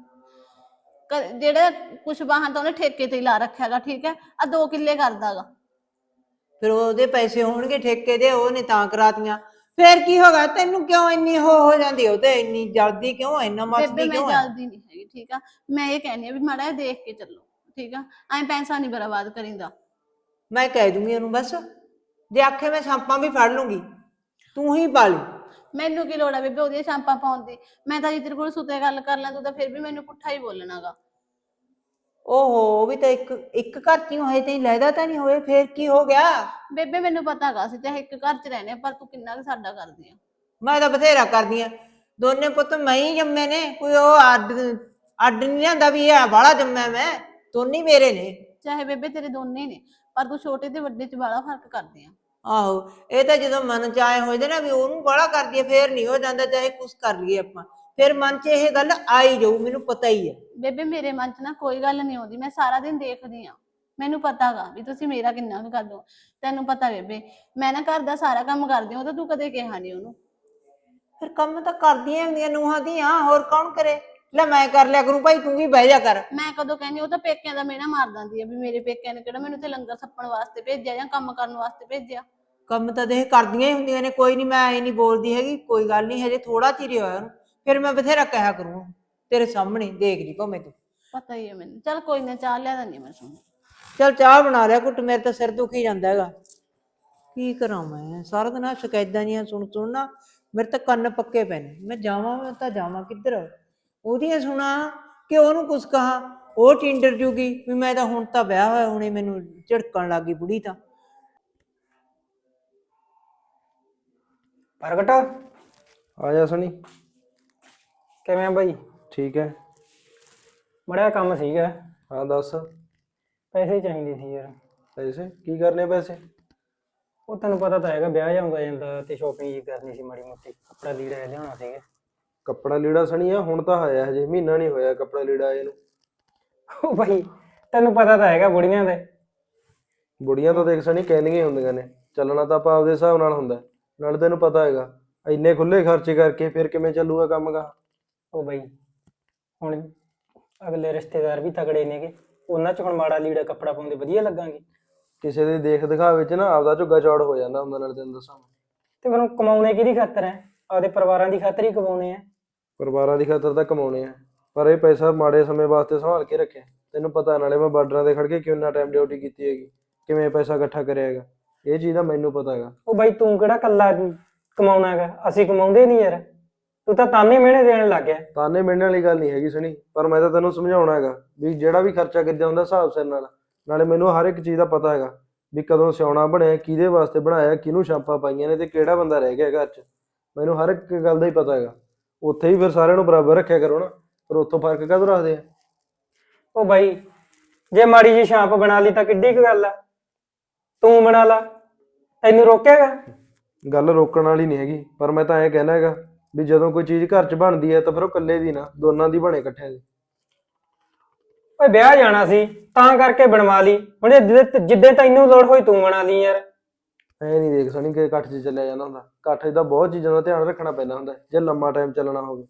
Speaker 1: ਜਿਹੜਾ ਕੁਛ ਵਾਹਨ ਤਾਂ ਉਹਨੇ ਠੇਕੇ ਤੇ ਹੀ ਲਾ ਰੱਖਿਆਗਾ, ਠੀਕ ਹੈ, ਆ 2 ਕਿੱਲੇ ਕਰਦਾਗਾ।
Speaker 2: ਫਿਰ ਉਹਦੇ ਪੈਸੇ ਹੋਣਗੇ ਠੇਕੇ ਦੇ, ਉਹਨੇ ਤਾਂ ਕਰਾਤੀਆਂ। ਫਿਰ ਕੀ ਹੋਗਾ? ਤੈਨੂੰ ਕਿਉਂ ਇੰਨੀ ਹੋ ਜਾਂਦੀ? ਉਹ ਤੇ ਇੰਨੀ ਜਲਦੀ ਕਿਉਂ, ਇੰਨਾ
Speaker 1: ਬੇਬੇ
Speaker 2: ਮੱਚਦੀ
Speaker 1: ਮੈਂ
Speaker 2: ਕਿਉਂ ਹੈ?
Speaker 1: ਜਲਦੀ ਨਹੀਂ ਹੈਗੀ, ਠੀਕ ਆ। ਮੈਂ ਇਹ ਕਹਿੰਦੀ ਆ ਵੀ ਮਾੜਾ ਜਿਹਾ ਦੇਖ ਕੇ ਚੱਲੋ, ਠੀਕ ਆ। ਐਂ ਪੈਸਾ ਨਹੀਂ ਬਰਬਾਦ ਕਰੀਂਦਾ।
Speaker 2: ਮੈਂ ਕਹਿ ਦੂੰਗੀ ਉਹਨੂੰ ਬਸ, ਜੇ ਆਖੇ ਮੈਂ ਸਾਂਪਾਂ ਵੀ ਫੜ ਲੂੰਗੀ, ਤੂੰ ਹੀ ਪਾ ਲਈ।
Speaker 1: ਮੈਨੂੰ ਕੀ ਲੋੜ ਆ ਬੇਬੇ ਉਹਦੀਆਂ ਸ਼ਾਂਪਾਂ ਪਾਉਣ ਦੀ? ਮੈਂ ਤਾਂ ਜੀ ਤੇਰੇ ਕੋਲ ਸੁਤੇ ਗੱਲ ਕਰ ਲਾਂ, ਤੂੰ ਤਾਂ ਫਿਰ ਵੀ ਮੈਨੂੰ ਪੁੱਠਾ ਹੀ ਬੋਲਣਾਗਾ।
Speaker 2: ਓਹੋ, ਉਹ ਵੀ ਤਾਂ ਇੱਕ ਘਰ ਚ ਹੀ ਹੋਏ ਤੇ ਲੈਦਾ ਤਾਂ ਨਹੀਂ ਹੋਏ, ਫਿਰ ਕੀ ਹੋ ਗਿਆ?
Speaker 1: ਬੇਬੇ ਮੈਨੂੰ ਪਤਾਗਾ ਅਸੀਂ ਚਾਹੇ ਇੱਕ ਘਰ 'ਚ ਰਹਿੰਦੇ ਆ, ਪਰ ਤੂੰ ਕਿੰਨਾ ਕੁ ਸਾਡਾ ਕਰਦੀ ਆ।
Speaker 2: ਮੈਂ ਤਾਂ ਬਥੇਰਾ ਕਰਦੀ ਆ। ਦੋਨੇ ਪੁੱਤ ਮੈਂ ਹੀ ਜੰਮੇ ਨੇ, ਕੋਈ ਉਹ ਅੱਡ ਅੱਡ ਨਹੀਂ ਲਿਆਂਦਾ ਵੀ ਇਹ ਬਾਹਲਾ ਜੰਮਿਆ ਮੈਂ। ਦੋਨੇ ਹੀ ਮੇਰੇ ਨੇ।
Speaker 1: ਚਾਹੇ ਬੇਬੇ ਤੇਰੇ ਦੋਨੇ ਨੇ, ਪਰ ਤੂੰ ਛੋਟੇ ਤੇ ਵੱਡੇ 'ਚ ਬੜਾ ਫਰਕ ਕਰਦੀ ਆ।
Speaker 2: ਆਹੋ, ਇਹ ਤਾਂ ਜਦੋਂ ਮਨ ਚ ਆਏ ਹੋਏ ਨਾ ਵੀ ਉਹਨੂੰ ਬਾਹਲਾ ਕਰਦੀ ਹੈ, ਫੇਰ ਨਹੀਂ ਹੋ ਜਾਂਦਾ, ਚਾਹੇ ਕੁਛ ਕਰ ਲਈਏ ਆਪਾਂ, ਫਿਰ ਮਨ ਚ ਇਹ ਗੱਲ ਆਈ ਜਾਊ, ਮੈਨੂੰ ਪਤਾ ਹੀ ਹੈ।
Speaker 1: ਬੇਬੇ ਮੇਰੇ ਮਨ 'ਚ ਨਾ ਕੋਈ ਗੱਲ ਨਹੀਂ ਆਉਂਦੀ, ਮੈਂ ਸਾਰਾ ਦਿਨ ਦੇਖਦੀ ਆ। ਮੈਨੂੰ ਪਤਾਗਾ ਵੀ ਤੁਸੀਂ ਮੇਰਾ ਕਿੰਨਾ ਕੁ ਕਰਦੇ ਹੋ। ਤੈਨੂੰ ਪਤਾ ਬੇਬੇ, ਮੈਂ ਨਾ ਘਰ ਦਾ ਸਾਰਾ ਕੰਮ ਕਰਦੀ ਹਾਂ, ਉਹ ਤਾਂ ਤੂੰ ਕਦੇ ਕਿਹਾ ਨਹੀਂ ਉਹਨੂੰ।
Speaker 2: ਫਿਰ ਕੰਮ ਤਾਂ ਕਰਦੀਆਂ ਹੁੰਦੀਆਂ ਨੂੰਹਾਂ ਦੀਆਂ, ਹੋਰ ਕੌਣ ਕਰੇ? ਲੈ ਮੈਂ ਕਰ ਲਿਆ ਕਰੂੰ ਭਾਈ, ਤੂੰ ਵੀ ਬਹਿ ਜਾ ਕਰ।
Speaker 1: ਮੈਂ ਕਦੋਂ ਕਹਿੰਦੀ? ਉਹ ਤਾਂ ਪੇਕਿਆਂ ਦਾ ਮਿਹਣਾ ਮਾਰ ਦਿੰਦੀ ਆ ਵੀ ਮੇਰੇ ਪੇਕਿਆਂ ਨੇ ਕਿਹੜਾ ਮੈਨੂੰ ਤੇ ਲੰਗਰ ਛੱਪਣ ਵਾਸਤੇ ਭੇਜਿਆ ਜਾਂ ਕੰਮ ਕਰਨ ਵਾਸਤੇ ਭੇਜਿਆ।
Speaker 2: ਕੰਮ ਤਾਂ ਦੇਖ ਕਰਦੀਆਂ ਹੀ ਹੁੰਦੀਆਂ ਨੇ, ਕੋਈ ਨਹੀਂ, ਮੈਂ ਐ ਨਹੀਂ ਬੋਲਦੀ ਹੈਗੀ, ਕੋਈ ਗੱਲ ਨਹੀਂ, ਹਜੇ ਥੋੜਾ ਚਿਰ ਹੀ ਹੋਇਆ ਉਹਨੂੰ, ਫਿਰ ਮੈਂ ਬਥੇਰਾ ਕਿਹਾ ਕਰੂੰ ਤੇਰੇ ਸਾਹਮਣੇ, ਦੇਖ ਲਈ ਭਾਵੇਂ ਤੂੰ।
Speaker 1: ਪਤਾ ਹੀ ਹੈ ਮੈਨੂੰ। ਚੱਲ ਕੋਈ ਨਾ, ਚਾਹ ਲਿਆ ਦਿੰਦੀ ਮੈਂ ਤੁਹਾਨੂੰ।
Speaker 2: ਚੱਲ ਚਾਹ ਬਣਾ ਲਿਆ ਘੁੱਟ, ਮੇਰੇ ਤਾਂ ਸਿਰ ਦੁਖੀ ਜਾਂਦਾ ਹੈਗਾ। ਕੀ ਕਰਾਂ ਮੈਂ, ਸਾਰਾ ਦਿਨ ਆਹ ਸ਼ਿਕਾਇਤਾਂ ਜੀਆਂ ਸੁਣ ਨਾ ਮੇਰੇ ਤਾਂ ਕੰਨ ਪੱਕੇ ਪਏ ਨੇ। ਮੈਂ ਤਾਂ ਜਾਵਾਂ ਕਿੱਧਰ? ਉਹਦੀਆਂ ਸੁਣਾ ਕਿ ਉਹਨੂੰ ਕੁਛ ਕਹਾ, ਉਹ ਟਿੰਡਰ ਜੂਗੀ ਵੀ ਮੈਂ ਤਾਂ ਹੁਣ ਤਾਂ ਵਿਆਹ ਹੋਇਆ, ਹੁਣੇ ਮੈਨੂੰ ਝਿੜਕਣ ਲੱਗ ਗਈ ਬੁੜੀ ਤਾਂ।
Speaker 5: ਪ੍ਰਗਟ
Speaker 3: ਆ ਜਾ ਸਣੀ।
Speaker 5: ਕਿਵੇਂ ਆ ਬਾਈ?
Speaker 3: ਠੀਕ ਹੈ।
Speaker 5: ਬੜਾ ਕੰਮ ਸੀਗਾ।
Speaker 3: ਹਾਂ ਦੱਸ।
Speaker 5: ਪੈਸੇ ਚਾਹੀਦੇ ਸੀ ਯਾਰ।
Speaker 3: ਪੈਸੇ ਕੀ ਕਰਨੇ? ਪੈਸੇ
Speaker 5: ਉਹ ਤੈਨੂੰ ਪਤਾ ਤਾਂ ਹੈਗਾ, ਵਿਆਹ ਜਾਊਂਗਾ ਜਾਂਦਾ ਤੇ ਸ਼ੋਪਿੰਗ ਜੀ ਕਰਨੀ ਸੀ, ਮਾੜੀ ਮੋਟੀ ਕੱਪੜਾ ਲੀੜਾ ਲਿਆਉਣਾ ਸੀਗਾ।
Speaker 3: ਕੱਪੜਾ ਲੀੜਾ ਸਣੀ ਆ, ਹੁਣ ਤਾਂ ਆਇਆ ਹਜੇ ਮਹੀਨਾ ਨਹੀਂ ਹੋਇਆ ਕੱਪੜਾ ਲੀੜਾ ਆਏ ਨੂੰ।
Speaker 5: ਉਹ ਬਾਈ ਤੈਨੂੰ ਪਤਾ ਤਾਂ ਹੈਗਾ ਬੁੜੀਆਂ ਦੇ।
Speaker 3: ਬੁੜੀਆਂ ਤਾਂ ਦੇਖ ਸਣੀ ਕਹਿੰਦੀਆਂ ਹੀ ਹੁੰਦੀਆਂ ਨੇ, ਚੱਲਣਾ ਤਾਂ ਆਪਾਂ ਆਪਦੇ ਹਿਸਾਬ ਨਾਲ ਹੁੰਦਾ। ਨਾਲੇ ਤੈਨੂੰ ਪਤਾ ਹੈਗਾ ਇੰਨੇ ਖੁੱਲੇ ਖਰਚੇ ਕਰਕੇ ਫਿਰ ਕਿਵੇਂ ਚੱਲੂਗਾ ਕੰਮ ਗਾ।
Speaker 5: ਉਹ ਬਾਈ ਹੁਣ ਅਗਲੇ ਰਿਸ਼ਤੇਦਾਰ ਵੀ ਤਗੜੇ ਨੇਗੇ, ਉਹਨਾਂ ਚ ਹੁਣ ਮਾੜਾ ਲੀੜਾ ਕੱਪੜਾ ਪਾਉਂਦੇ ਵਧੀਆ ਲੱਗਾਂਗੇ?
Speaker 3: ਕਿਸੇ ਦੇ ਦੇਖ ਦਿਖਾਵੇ ਚ ਨਾ ਆਪਦਾ ਝੁੱਗਾ ਚੌੜ ਹੋ ਜਾਂਦਾ ਹੁੰਦਾ। ਨਾਲ ਤੈਨੂੰ ਦੱਸਾਂ,
Speaker 5: ਤੇ ਫਿਰ ਕਮਾਉਣੇ ਕਿਹਦੀ ਖਾਤਰ ਹੈ? ਆਪਦੇ ਪਰਿਵਾਰਾਂ ਦੀ ਖਾਤਰ ਹੀ ਕਮਾਉਣੇ ਆ।
Speaker 3: ਪਰਿਵਾਰਾਂ ਦੀ ਖਾਤਰ ਤਾਂ ਕਮਾਉਣੇ ਆ, ਪਰ ਇਹ ਪੈਸਾ ਮਾੜੇ ਸਮੇਂ ਵਾਸਤੇ ਸੰਭਾਲ ਕੇ ਰੱਖਿਆ। ਤੈਨੂੰ ਪਤਾ, ਨਾਲੇ ਮੈਂ ਬਾਰਡਰਾਂ ਤੇ ਖੜ ਕੇ ਕਿੰਨਾ ਟਾਈਮ ਡਿਊਟੀ ਕੀਤੀ ਹੈਗੀ, ਕਿਵੇਂ ਪੈਸਾ ਇਕੱਠਾ ਕਰਿਆ ਹੈਗਾ, ਇਹ ਚੀਜ਼ ਦਾ ਮੈਨੂੰ ਪਤਾ ਹੈਗਾ।
Speaker 5: ਉਹ ਬਾਈ ਤੂੰ ਕਿਹੜਾ ਕੱਲਾ ਕਮਾਉਣਾ ਹੈਗਾ? ਅਸੀਂ ਕਮਾਉਂਦੇ ਨਹੀਂ ਯਾਰ, ਤੂੰ ਤਾਂ ਤਾਨੇ ਮਿਹਣੇ ਦੇਣ ਲੱਗ ਗਿਆ।
Speaker 3: ਤਾਨੇ ਮਿਲਣ ਵਾਲੀ ਗੱਲ ਨਹੀਂ ਹੈਗੀ ਸਣੀ, ਪਰ ਮੈਂ ਤਾਂ ਤੈਨੂੰ ਸਮਝਾਉਣਾ ਹੈਗਾ ਵੀ ਜਿਹੜਾ ਵੀ ਖਰਚਾ ਕਿੱਦਾਂ ਹੁੰਦਾ ਹਿਸਾਬ ਸਿਰ ਨਾਲ। ਨਾਲੇ ਮੈਨੂੰ ਹਰ ਇੱਕ ਚੀਜ਼ ਦਾ ਪਤਾ ਹੈਗਾ ਵੀ ਕਦੋਂ ਸਿਉਣਾ ਬਣਿਆ, ਕਿਹਦੇ ਵਾਸਤੇ ਬਣਾਇਆ, ਕਿਹਨੂੰ ਛਾਪਾਂ ਪਾਈਆਂ ਨੇ ਤੇ ਕਿਹੜਾ ਬੰਦਾ ਰਹਿ ਗਿਆ ਘਰ 'ਚ। ਮੈਨੂੰ ਹਰ ਇੱਕ ਗੱਲ ਦਾ ਹੀ ਪਤਾ ਹੈਗਾ। ਉੱਥੇ ਹੀ ਫਿਰ ਸਾਰਿਆਂ ਨੂੰ ਬਰਾਬਰ ਰੱਖਿਆ ਕਰੋ ਨਾ, ਪਰ ਉੱਥੋਂ ਫਰਕ ਕਾਹਦੋਂ ਰੱਖਦੇ ਆ?
Speaker 5: ਉਹ ਬਾਈ ਜੇ ਮਾੜੀ ਜੀ ਛਾਂਪ ਬਣਾ ਲਈ ਤਾਂ ਕਿੱਡੀ ਕੁ ਗੱਲ ਆ, ਤੂੰ ਬਣਾ ਲਾ, ਤੈਨੂੰ ਰੋਕਿਆਗਾ?
Speaker 3: ਗੱਲ ਰੋਕਣ ਵਾਲੀ ਨਹੀਂ ਹੈਗੀ, ਪਰ ਮੈਂ ਤਾਂ ਐਂ ਕਹਿਣਾ ਹੈਗਾ ਵੀ ਜਦੋਂ ਕੋਈ ਚੀਜ਼ ਘਰ 'ਚ ਬਣਦੀ ਹੈ ਤਾਂ ਫਿਰ ਉਹ ਇਕੱਲੇ ਦੀ ਨਾ, ਦੋਨਾਂ ਦੀ ਬਣੇ, ਇਕੱਠਿਆਂ ਦੀ।
Speaker 5: ਓਏ ਵਿਆਹ ਜਾਣਾ ਸੀ ਤਾਂ ਕਰਕੇ ਬਣਵਾ ਲਈ, ਹੁਣ ਜਿੱਦੇ ਤੈਨੂੰ ਲੋੜ ਹੋਈ ਤੂੰ ਬਣਾ ਲਈ ਯਾਰ।
Speaker 3: ਐ ਨਹੀਂ ਦੇਖ ਸਣੀ ਕਿ ਇਕੱਠ 'ਚ ਚੱਲਿਆ ਜਾਂਦਾ ਹੁੰਦਾ, ਇਕੱਠ 'ਚ ਤਾਂ ਬਹੁਤ ਚੀਜ਼ਾਂ ਦਾ ਧਿਆਨ ਰੱਖਣਾ ਪੈਂਦਾ ਹੁੰਦਾ ਜੇ ਲੰਮਾ ਟਾਈਮ ਚੱਲਣਾ ਹੋਵੇ।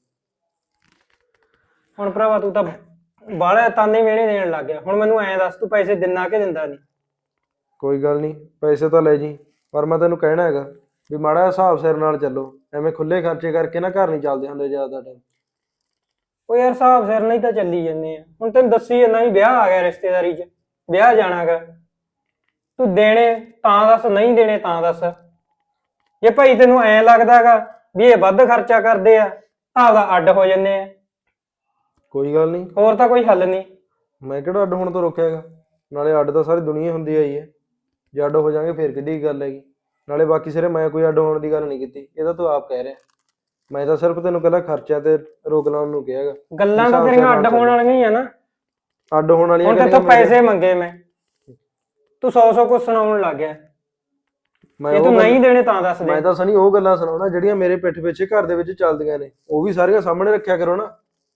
Speaker 5: ਹੁਣ ਭਰਾਵਾ ਤੂੰ ਤਾਂ ਬਾਹਲਾ ਤਾਨੇ ਮਿਹਣੇ ਦੇਣ ਲੱਗ ਗਿਆ। ਹੁਣ ਮੈਨੂੰ ਐਂ ਦੱਸ, ਤੂੰ ਪੈਸੇ ਦਿੰਦਾ ਕਿ ਦਿੰਦਾ ਨਹੀਂ?
Speaker 3: ਕੋਈ ਗੱਲ ਨਹੀਂ, ਪੈਸੇ ਤਾਂ ਲੈ ਜੀ, ਪਰ ਮੈਂ ਤੈਨੂੰ ਕਹਿਣਾ ਹੈਗਾ ਵੀ ਮਾੜਾ ਜਿਹਾ ਹਿਸਾਬ ਸਿਰ ਨਾਲ ਚੱਲੋ। ਐਵੇਂ ਖੁੱਲੇ ਖਰਚੇ ਕਰਕੇ ਨਾ ਘਰ ਨਹੀਂ ਚੱਲਦੇ ਹੁੰਦੇ ਜ਼ਿਆਦਾ ਟਾਈਮ।
Speaker 5: ਉਹ ਯਾਰ ਹਿਸਾਬ ਸਿਰ ਨਹੀਂ ਤਾਂ ਚੱਲੀ ਜਾਂਦੇ ਆ। ਹੁਣ ਤੈਨੂੰ ਦੱਸੀ ਜਾਂਦਾ ਵੀ ਵਿਆਹ ਆ ਗਿਆ, ਰਿਸ਼ਤੇਦਾਰੀ 'ਚ ਵਿਆਹ ਜਾਣਾਗਾ। ਤੂੰ ਦੇਣੇ ਤਾਂ ਦੱਸ, ਨਹੀਂ ਦੇਣੇ ਤਾਂ ਦੱਸ। ਜੇ ਭਾਈ ਤੈਨੂੰ ਐਂ ਲੱਗਦਾਗਾ ਵੀ ਇਹ ਵੱਧ ਖਰਚਾ ਕਰਦੇ ਆ ਤਾਂ ਆਪਦਾ ਅੱਡ ਹੋ ਜੰਨੇ ਆ।
Speaker 3: ਕੋਈ ਗੱਲ ਨਹੀਂ,
Speaker 5: ਹੋਰ ਤਾਂ ਕੋਈ ਹੱਲ ਨਹੀਂ।
Speaker 3: ਮੈਂ ਕਿਹੜਾ ਅੱਡ ਹੋਣ ਤੋਂ ਰੋਕਿਆ ਹੈਗਾ? ਨਾਲੇ ਅੱਡ ਤਾਂ ਸਾਰੀ ਦੁਨੀਆ ਹੁੰਦੀ ਆਈ ਹੈ, ਜੇ ਅੱਡ ਹੋ ਜਾਾਂਗੇ ਫਿਰ ਕਿੱਡੀ ਗੱਲ ਹੈਗੀ। ਨਾਲੇ ਬਾਕੀ ਸਿਰੇ ਮੈਂ ਕੋਈ ਅੱਡ ਹੋਣ ਦੀ ਗੱਲ ਨਹੀਂ ਕੀਤੀ, ਇਹ ਤਾਂ ਤੂੰ ਆਪ ਕਹਿ ਰਿਹਾ। ਮੈਂ ਤਾਂ ਸਿਰਫ ਤੈਨੂੰ ਕਹਿੰਦਾ ਖਰਚਿਆਂ ਤੇ ਰੋਕ ਲਾਉਣ ਨੂੰ ਕਿਹਾ ਹੈਗਾ।
Speaker 5: ਗੱਲਾਂ ਤਾਂ ਤੇਰੀਆਂ ਅੱਡ ਹੋਣ ਵਾਲੀਆਂ ਹੀ ਆ ਨਾ।
Speaker 3: ਅੱਡ ਹੋਣ ਵਾਲੀਆਂ
Speaker 5: ਹੁਣ ਤੇਥੋਂ ਪੈਸੇ ਮੰਗੇ ਮੈਂ, ਤੂੰ 100 ਕੁਛ ਸੁਣਾਉਣ ਲੱਗ ਗਿਆ।
Speaker 3: ਮੈਂ
Speaker 5: ਜੇ
Speaker 3: ਉਹ
Speaker 5: ਤੂੰ
Speaker 3: ਗੱਲ-
Speaker 5: ਨਹੀਂ ਦੇਣੇ ਤਾਂ ਦੱਸ ਦੇ।
Speaker 3: ਮੈਂ ਤਾਂ ਸਣੀ ਉਹ ਗੱਲਾਂ ਸੁਣਾਉਣਾ ਜਿਹੜੀਆਂ ਮੇਰੇ ਪਿੱਠ ਪਿੱਛੇ ਘਰ ਦੇ ਵਿੱਚ ਚੱਲਦੀਆਂ ਨੇ, ਉਹ ਵੀ ਸਾਰੀਆਂ ਸਾਹਮਣੇ ਰੱਖਿਆ ਕਰੋ ਨਾ।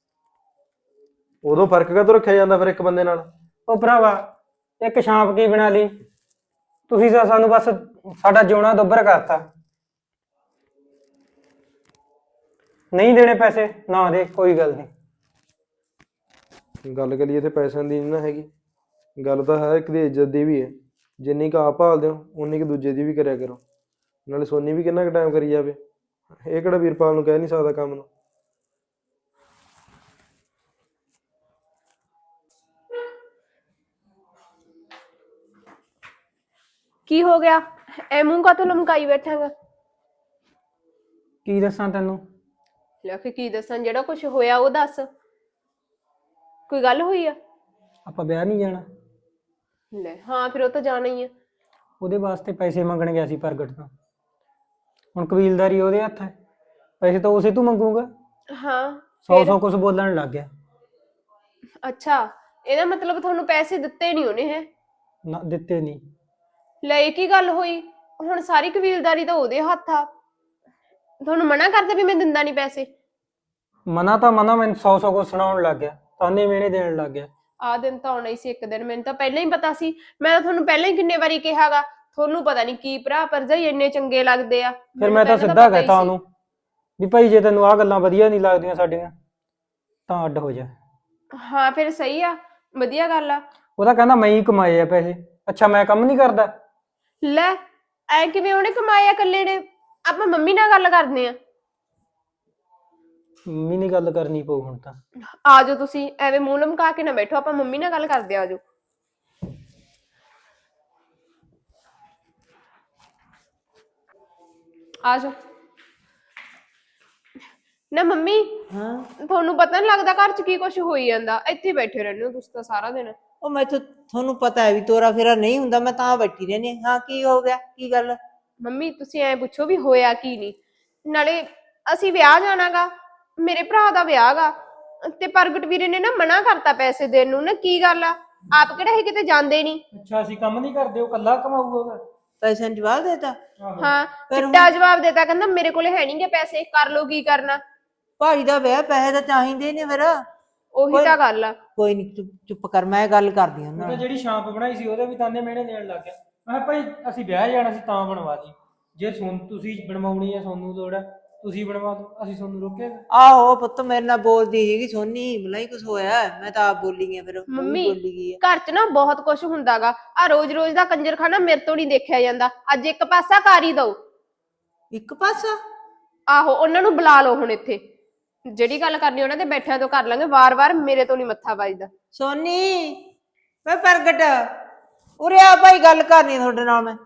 Speaker 3: ਉਦੋਂ ਫਰਕ ਕਾਹਤੋਂ ਰੱਖਿਆ ਜਾਂਦਾ ਫਿਰ ਇੱਕ ਬੰਦੇ ਨਾਲ?
Speaker 5: ਉਹ ਭਰਾਵਾ ਇੱਕ ਛਾਂਪ ਕੀ ਬਣਾ ਲਈ, ਤੁਸੀਂ ਤਾਂ ਸਾਨੂੰ ਬਸ ਸਾਡਾ ਜਿਉਣਾ ਦੁੱਭਰ ਕਰਤਾ। ਨਹੀਂ ਦੇਣੇ ਪੈਸੇ ਨਾ ਦੇ, ਕੋਈ ਗੱਲ ਨਹੀਂ।
Speaker 3: ਗੱਲ ਕਰੀਏ ਤੇ ਪੈਸਿਆਂ ਦੀ ਨਹੀਂ ਨਾ ਹੈਗੀ, ਗੱਲ ਤਾਂ ਹੈ ਇੱਕ ਦੀ ਇੱਜ਼ਤ ਦੀ ਵੀ ਹੈ। ਜਿੰਨੀ ਕੁ ਆਪ ਭਾਲਦੇ ਹੋ ਉਨੀ ਕੁ ਦੂਜੇ ਦੀ ਵੀ ਕਰਿਆ ਕਰੋ। ਨਾਲੇ ਸੋਨੀ ਵੀ ਕਿੰਨਾ ਕੁ ਟਾਈਮ ਕਰੀ ਜਾਵੇ, ਇਹ ਕਿਹੜਾ ਵੀਰਪਾਲ ਨੂੰ ਕਹਿ ਨਹੀਂ ਸਕਦਾ ਕੰਮ ਨੂੰ।
Speaker 4: ਕੀ ਹੋ ਗਿਆ? ਐ ਮੂੰਹ ਕਾਤੋਂ ਲਮਕਾਈ ਬੈਠਾਂਗਾ?
Speaker 5: ਕੀ ਦੱਸਾਂ ਤੈਨੂੰ?
Speaker 4: ਲੈ ਫਿਰ ਕੀ ਦੱਸਾਂ, ਜਿਹੜਾ ਕੁਝ ਹੋਇਆ ਉਹ ਦੱਸ। ਕੋਈ ਗੱਲ ਹੋਈ ਆ?
Speaker 5: ਆਪਾਂ ਵਿਆਹ ਨਹੀਂ ਜਾਣਾ।
Speaker 4: ਲੈ ਹਾਂ, ਫਿਰ ਉਹ ਤਾਂ ਜਾਣਾ ਹੀ ਆ।
Speaker 5: ਉਹਦੇ ਵਾਸਤੇ ਪੈਸੇ ਮੰਗਣ ਗਿਆ ਸੀ ਪ੍ਰਗਟ ਤੋਂ। ਹੁਣ ਕਬੀਲਦਾਰੀ ਉਹਦੇ ਹੱਥ ਹੈ, ਪੈਸੇ ਤਾਂ ਉਸੇ ਤੋਂ ਮੰਗੂਗਾ।
Speaker 4: ਹਾਂ
Speaker 5: 100 ਕੁਛ ਬੋਲਣ ਲੱਗ ਗਿਆ।
Speaker 4: ਅੱਛਾ, ਇਹਦਾ ਮਤਲਬ ਤੁਹਾਨੂੰ ਪੈਸੇ ਦਿੱਤੇ ਨਹੀਂ ਉਹਨੇ? ਹੈ
Speaker 5: ਨਾ ਦਿੱਤੇ ਨਹੀਂ।
Speaker 4: ਲੈ ਇਹ ਕੀ ਗੱਲ ਹੋਈ? ਹੁਣ ਸਾਰੀ ਕਬੀਲਦਾਰੀ ਤਾਂ ਉਹਦੇ ਹੱਥ ਆ। ਤੁਹਾਨੂੰ ਮਨਾ ਕਰਦਾ ਵੀ ਮੈਂ ਦਿੰਦਾ ਨਹੀਂ ਪੈਸੇ?
Speaker 5: ਮਨਾ ਤਾਂ ਮਨਾ, ਮੈਨੂੰ 100 ਕੁਛ ਸੁਣਾਉਣ ਲੱਗ ਗਿਆ, ਤਾਨੇ ਮਿਹਣੇ ਦੇਣ ਲੱਗ ਗਿਆ।
Speaker 4: ਆਹ ਦਿਨ ਤਾਂ ਆਉਣਾ ਹੀ ਸੀ ਇੱਕ ਦਿਨ, ਮੈਨੂੰ ਤਾਂ ਪਹਿਲਾਂ ਹੀ ਪਤਾ ਸੀ। ਮੈਂ ਤਾਂ ਤੁਹਾਨੂੰ ਪਹਿਲਾਂ ਹੀ ਕਿੰਨੇ ਵਾਰੀ ਕਿਹਾਗਾ, ਤੁਹਾਨੂੰ ਪਤਾ ਨਹੀਂ ਕੀ ਭਰਾ ਭਰਜਾਈ ਇੰਨੇ ਚੰਗੇ ਲੱਗਦੇ ਆ।
Speaker 5: ਫਿਰ ਮੈਂ ਤਾਂ ਸਿੱਧਾ ਕਹਿਤਾ ਉਹਨੂੰ ਵੀ ਭਾਈ ਜੇ ਤੈਨੂੰ ਆਹ ਗੱਲਾਂ ਵਧੀਆ ਨਹੀਂ ਲੱਗਦੀਆਂ ਸਾਡੀਆਂ ਤਾਂ ਅੱਡ ਹੋ ਜਾ।
Speaker 4: ਹਾਂ ਫਿਰ ਸਹੀ ਆ, ਵਧੀਆ ਗੱਲ ਆ।
Speaker 5: ਉਹ ਤਾਂ ਕਹਿੰਦਾ ਮੈਂ ਹੀ ਕਮਾਏ ਆ ਪੈਸੇ। ਅੱਛਾ ਮੈਂ ਕੰਮ ਨਹੀਂ ਕਰਦਾ?
Speaker 4: ਲੈ ਐ ਕਿਵੇਂ ਉਹਨੇ ਕਮਾਇਆ ਇਕੱਲੇ ਨੇ? ਆਪਾਂ ਮੰਮੀ ਨਾਲ ਗੱਲ ਕਰਦੇ ਆ।
Speaker 5: ਮੰਮੀ ਨਹੀਂ ਗੱਲ ਕਰਨੀ ਪਊ ਹੁਣ ਤਾਂ।
Speaker 4: ਆ ਜਾਓ ਤੁਸੀਂ, ਐਵੇਂ ਮੂੰਹ ਲਮਕਾ ਕੇ ਨਾ ਬੈਠੋ, ਆਪਾਂ ਮੰਮੀ ਨਾਲ ਗੱਲ ਕਰਦੇ ਆ। ਆ ਜਾਓ ਆ ਜਾਓ ਨਾ। ਮੰਮੀ
Speaker 2: ਹਾਂ
Speaker 4: ਤੁਹਾਨੂੰ ਪਤਾ ਨਹੀਂ ਲੱਗਦਾ ਘਰ 'ਚ ਕੀ ਕੁਝ ਹੋਈ ਜਾਂਦਾ? ਇੱਥੇ ਬੈਠੇ ਰਹਿੰਦੇ ਹੋ ਤੁਸੀਂ ਤਾਂ ਸਾਰਾ ਦਿਨ।
Speaker 2: ਉਹ ਤੁਹਾਨੂੰ ਪਤਾ ਹੈ ਵੀ ਤੋਰਾ ਫੇਰਾ ਨਹੀਂ ਹੁੰਦਾ, ਮੈਂ ਤਾਂ ਬੈਠੀ ਰਹਿੰਦੀ ਹਾਂ। ਹਾਂ ਕੀ ਹੋ ਗਿਆ, ਕੀ ਗੱਲ?
Speaker 4: ਮੰਮੀ ਤੁਸੀਂ ਐ ਪੁੱਛੋ ਵੀ ਹੋਇਆ ਕੀ ਨਹੀਂ। ਨਾਲੇ ਅਸੀਂ ਵਿਆਹ ਜਾਣਾਗਾ, ਮੇਰੇ ਭਰਾ ਦਾ ਵਿਆਹ ਗਾ, ਤੇ ਪ੍ਰਗਟ ਵੀਰੇ ਨੇ ਨਾ ਮਨਾ ਕਰਤਾ ਪੈਸੇ ਦੇਣ ਨੂੰ। ਨਾ ਕੀ ਗੱਲ ਆ, ਆਪ ਕਿਹੜਾ ਇਹ ਕਿਤੇ ਜਾਂਦੇ ਨਹੀਂ?
Speaker 5: ਅੱਛਾ ਅਸੀਂ ਕੰਮ ਨਹੀਂ ਕਰਦੇ, ਉਹ ਕੱਲਾ ਕਮਾਊਗਾ?
Speaker 2: ਪੈਸਿਆਂ ਨੂੰ ਜਵਾਬ ਦੇਤਾ?
Speaker 4: ਹਾਂ
Speaker 2: ਫਿਰ ਹੁਣ-
Speaker 4: ਚਿੱਟਾ ਜਵਾਬ ਦੇਤਾ, ਕਹਿੰਦਾ ਮੇਰੇ ਕੋਲੇ ਹੈ ਨਹੀਂਗੇ ਪੈਸੇ, ਕਰ ਲੋ ਕੀ ਕਰਨਾ।
Speaker 2: ਭਾਈ ਦਾ ਵਿਆਹ, ਪੈਸੇ ਤਾਂ ਚਾਹੀਦੇ ਨੇ ਫਿਰ।
Speaker 4: ਉਹੀ ਤਾਂ ਗੱਲ ਆ।
Speaker 2: ਕੋਈ ਨਹੀਂ, ਚੁੱਪ ਕਰ, ਮੈਂ ਗੱਲ ਕਰਦੀ ਹਾਂ
Speaker 5: ਉਹ
Speaker 2: ਉਹਨਾਂ
Speaker 5: ਤਾਂ
Speaker 2: ਨਾਲ।
Speaker 5: ਜਿਹੜੀ ਛਾਂਪ ਬਣਾਈ ਸੀ ਉਹਦੇ ਵੀ ਤਾਨੇ ਮਿਹਣੇ ਦੇਣ ਲੱਗ ਗਿਆ। ਮੈਂ ਕਿਹਾ ਭਾਈ ਅਸੀਂ ਵਿਆਹ ਜਾਣਾ ਸੀ ਤਾਂ ਬਣਵਾ ਦੀ, ਜੇ ਤੁਸੀਂ ਬਣਵਾਉਣੀ ਹੈ, ਤੁਹਾਨੂੰ ਲੋੜ ਹੈ ਤੁਸੀਂ ਬਣਵਾ ਦਿਓ, ਅਸੀਂ ਤੁਹਾਨੂੰ ਰੋਕਿਆ?
Speaker 2: ਆਹੋ ਪੁੱਤ, ਮੇਰੇ ਨਾਲ ਬੋਲਦੀ ਸੀਗੀ ਸੋਨੀ, ਬਲਾਈ ਕੁਛ ਹੋਇਆ, ਮੈਂ ਤਾਂ ਆਪ ਬੋਲੀ ਗਈ, ਫਿਰ ਉਹ ਵੀ
Speaker 4: ਮੰਮੀ
Speaker 2: ਬੋਲੀ ਗਈ ਹੈ।
Speaker 4: ਘਰ 'ਚ ਨਾ ਬਹੁਤ ਕੁਝ ਹੁੰਦਾਗਾ, ਆ ਰੋਜ਼-ਰੋਜ਼ ਦਾ ਕੰਜਰਖਾਨਾ ਮੇਰੇ ਤੋਂ ਨਹੀਂ ਦੇਖਿਆ ਜਾਂਦਾ। ਅੱਜ ਇੱਕ ਪਾਸਾ ਕਰ ਹੀ ਦਓ।
Speaker 2: ਇੱਕ ਪਾਸਾ?
Speaker 4: ਆਹੋ ਉਹਨਾਂ ਨੂੰ ਬੁਲਾ ਲਓ ਹੁਣ ਇੱਥੇ, ਜਿਹੜੀ ਗੱਲ ਕਰਨੀ ਉਹਨਾਂ ਦੇ ਬੈਠਿਆਂ ਤੋਂ ਕਰ ਲਾਂਗੇ, ਵਾਰ-ਵਾਰ ਮੇਰੇ ਤੋਂ ਨਹੀਂ ਮੱਥਾ ਵੱਜਦਾ।
Speaker 2: ਸੋਨੀ ਵੇ ਪ੍ਰਗਟ, ਉਰੇ ਆ ਭਾਈ, ਗੱਲ ਕਰਨੀ ਤੁਹਾਡੇ ਨਾਲ ਮੈਂ।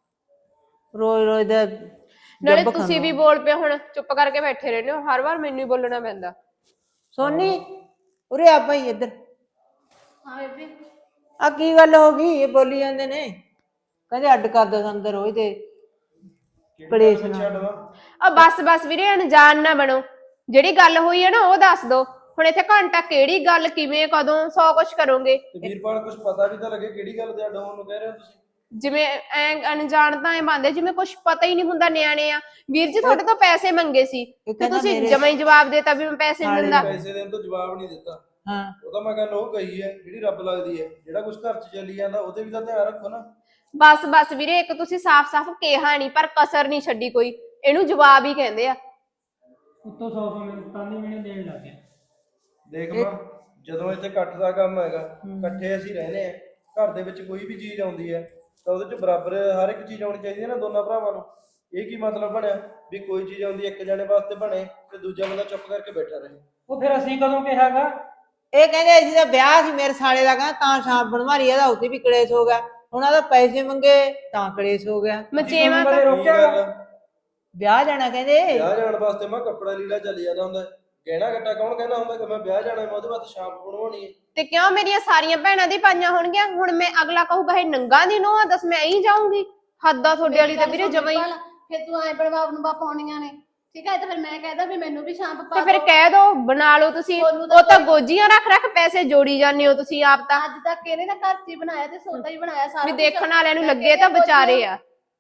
Speaker 2: ਰੋਜ਼ ਰੋਜ਼ ਦਾ
Speaker 4: ਨਾਲੇ
Speaker 2: ਜੱਬ
Speaker 4: ਤੁਸੀਂ
Speaker 2: ਖਾਨਾ।
Speaker 4: ਵੀ ਬੋਲ ਪਏ, ਹੁਣ ਚੁੱਪ ਕਰਕੇ ਬੈਠੇ ਰਹਿੰਦੇ ਹੋ, ਹਰ ਵਾਰ ਮੈਨੂੰ ਹੀ ਬੋਲਣਾ ਪੈਂਦਾ।
Speaker 2: ਸੋਨੀ ਉਰੇ ਆ ਭਾਈ, ਇੱਧਰ।
Speaker 1: ਹਾਂ ਬੇਬੇ।
Speaker 2: ਆ ਕੀ ਗੱਲ ਹੋ ਗਈ? ਇਹ ਬੋਲੀ ਜਾਂਦੇ ਨੇ, ਕਹਿੰਦੇ ਅੱਡ ਕਰ ਦੋ ਸਾਨੂੰ ਰੋਜ਼ ਦੇ ਕਲੇਸ਼ ਨਾਲ।
Speaker 4: ਆ ਬਸ ਵੀਰੇ, ਅਣਜਾਣ ਨਾ ਬਣੋ। ਜਿਹੜੀ ਗੱਲ ਹੋਈ ਹੈ ਨਾ ਉਹ ਦੱਸ ਦੋ। ਹੁਣ ਇੱਥੇ ਘੰਟਾ ਕਿਹੜੀ ਗੱਲ, ਕਿਵੇਂ, ਕਦੋਂ, 100 ਕੁਛ ਕਰੋਗੇ।
Speaker 3: ਤੇ ਵੀਰਪਾਲ ਕੁਝ ਪਤਾ ਵੀ ਤਾਂ ਲੱਗੇ ਕਿਹੜੀ ਗੱਲ ਦੇ ਅੱਡ ਹੋਣ ਨੂੰ ਕਹਿ ਰਹੇ ਹੋ ਤੁਸੀਂ?
Speaker 4: ਜਿਵੇਂ ਐ ਅਣਜਾਣ ਤਾਂ ਐ ਬੰਦੇ ਜਿਵੇਂ ਕੁਝ ਪਤਾ ਹੀ ਨਹੀਂ ਹੁੰਦਾ, ਨਿਆਣੇ ਆ। ਵੀਰ ਜੀ ਤੁਹਾਡੇ ਤੋਂ ਪੈਸੇ ਮੰਗੇ ਸੀ ਤੇ
Speaker 2: ਕਹਿੰਦਾ
Speaker 4: ਤੁਸੀਂ
Speaker 2: ਮੇਰੇ
Speaker 4: ਜਮਾਂ ਹੀ ਜਵਾਬ ਦੇਤਾ ਵੀ ਮੈਂ ਪੈਸੇ ਨਹੀਂ ਦਿੰਦਾ।
Speaker 3: ਪੈਸੇ ਦੇਣ ਤੋਂ ਜਵਾਬ ਨਹੀਂ ਦਿੱਤਾ।
Speaker 2: ਹਾਂ
Speaker 3: ਉਹ ਤਾਂ ਮੈਂ ਗੱਲ ਉਹ ਕਹੀ ਹੈ ਜਿਹੜੀ ਰੱਬ ਲੱਗਦੀ ਹੈ, ਜਿਹੜਾ ਕੁਝ ਘਰ 'ਚ ਚੱਲੀ ਜਾਂਦਾ ਉਹਦੇ ਵੀ ਤਾਂ ਧਿਆਨ ਰੱਖੋ ਨਾ।
Speaker 4: ਬਸ ਵੀਰੇ, ਇੱਕ ਤੁਸੀਂ ਸਾਫ਼-ਸਾਫ਼ ਕਿਹਾ ਨਹੀਂ, ਪਰ ਕਸਰ ਨਹੀਂ ਛੱਡੀ ਕੋਈ। ਇਹਨੂੰ ਜਵਾਬ ਹੀ ਕਹਿੰਦੇ ਆ।
Speaker 5: ਉੱਤੋਂ 100 ਮੈਨੂੰ ਤਾਨੇ ਮਿਹਣੇ ਦੇਣ ਲੱਗ ਗਿਆ।
Speaker 3: ਦੇਖ ਮਾਂ, ਜਦੋਂ ਇੱਥੇ ਇਕੱਠ ਦਾ ਕੰਮ ਹੈਗਾ, ਇਕੱਠੇ ਅਸੀਂ ਰਹਿੰਦੇ ਆ, ਘਰ ਦੇ ਵਿੱਚ ਕੋਈ ਵੀ ਚੀਜ਼ ਆਉਂਦੀ ਹੈ ਤਾਂ ਉਹਦੇ 'ਚ ਬਰਾਬਰ ਹਰ ਇੱਕ ਚੀਜ਼ ਆਉਣੀ ਚਾਹੀਦੀ ਹੈ ਨਾ ਦੋਨਾਂ ਭਰਾਵਾਂ ਨੂੰ। ਇਹ ਕੀ ਮਤਲਬ ਬਣਿਆ ਵੀ ਕੋਈ ਚੀਜ਼ ਆਉਂਦੀ ਇੱਕ ਜਣੇ ਵਾਸਤੇ ਬਣੇ ਤੇ ਦੂਜਾ ਬੰਦਾ ਚੁੱਪ ਕਰਕੇ ਬੈਠਾ ਰਹੇ?
Speaker 5: ਉਹ ਫਿਰ ਅਸੀਂ ਕਦੋਂ ਕਿਹਾਗਾ?
Speaker 2: ਇਹ ਕਹਿੰਦੇ ਅਸੀਂ ਤਾਂ ਵਿਆਹ ਸੀ ਮੇਰੇ ਸਾਲੇ ਦਾ, ਕਹਿੰਦਾ ਤਾਂ ਛਾਪ ਬਣਵਾ ਲਈ, ਇਹਦਾ ਉੱਥੇ ਵੀ ਕਲੇਸ਼ ਹੋ ਗਿਆ। ਉਹਨਾਂ ਦਾ ਪੈਸੇ ਮੰਗੇ ਤਾਂ ਕਲੇਸ਼ ਹੋ ਗਿਆ।
Speaker 4: ਮਚੇਵਾ ਤਾਂ
Speaker 3: ਕੀ ਗੱਲ?
Speaker 2: ਵਿਆਹ ਜਾਣਾ ਕਹਿੰਦੇ।
Speaker 3: ਵਿਆਹ ਜਾਣ ਵਾਸਤੇ ਮੈਂ ਕੱਪੜਾ ਲੀੜਾ ਚੱਲ ਜਾਂਦਾ ਹੁੰਦਾ, ਗਹਿਣਾ ਗੱਟਾ ਕੌਣ ਕਹਿੰਦਾ ਹੁੰਦਾ ਕਿ ਮੈਂ ਵਿਆਹ ਜਾਣਾ, ਮੈਂ ਉਹਦੇ ਵਾਸਤੇ ਛਾਪ ਬਣਵਾਉਣੀ ਹੈ।
Speaker 4: ਤੇ ਕਿਉਂ, ਮੇਰੀਆਂ ਸਾਰੀਆਂ ਭੈਣਾਂ ਦੀ ਪਾਈਆਂ ਹੋਣਗੀਆਂ। ਹੁਣ ਮੈਂ ਅਗਲਾ ਕਹੂਗਾ ਇਹ ਨੰਗਾ ਦੀ ਨੋਹ ਆ, ਦੱਸ ਮੈਂ ਐਂ ਜਾਊਂਗੀ? ਹੱਦਾਂ ਤੁਹਾਡੇ ਵਾਲੀ ਤਾਂ ਵੀਰੇ ਜਮਾਂ ਹੀ।
Speaker 1: ਫਿਰ ਤੂੰ ਐ ਬਣਵਾ ਬਣਵਾ ਪਾਉਣੀਆਂ ਨੇ, ਠੀਕ ਹੈ? ਤੇ ਫਿਰ ਮੈਂ ਕਹਿਦਾ ਵੀ ਮੈਨੂੰ ਵੀ ਸ਼ਾਂਪ ਪਾ
Speaker 4: ਤੇ ਫਿਰ
Speaker 1: ਦਿਓ।
Speaker 4: ਕਹਿ ਦੋ, ਬਣਾ ਲਓ ਤੁਸੀਂ। ਉਹ ਤਾਂ ਗੋਜੀਆਂ ਰੱਖ ਪੈਸੇ ਜੋੜੀ ਜਾਂਦੇ ਹੋ ਤੁਸੀਂ ਆਪ ਤਾਂ।
Speaker 1: ਅੱਜ ਤੱਕ ਇਹਨੇ ਨਾ ਘਰ 'ਚ ਹੀ ਬਣਾਇਆ ਤੇ ਸੋਦਾ ਹੀ ਬਣਾਇਆ ਸਾਰਾ
Speaker 4: ਵੀ
Speaker 1: ਕੁਛ।
Speaker 4: ਦੇਖਣ ਵਾਲਿਆਂ ਨੂੰ
Speaker 1: ਮੈਂ
Speaker 4: ਲੱਗੇ ਤਾਂ
Speaker 1: ਕਹਿੰਦੀ
Speaker 4: ਵਿਚਾਰੇ ਆ।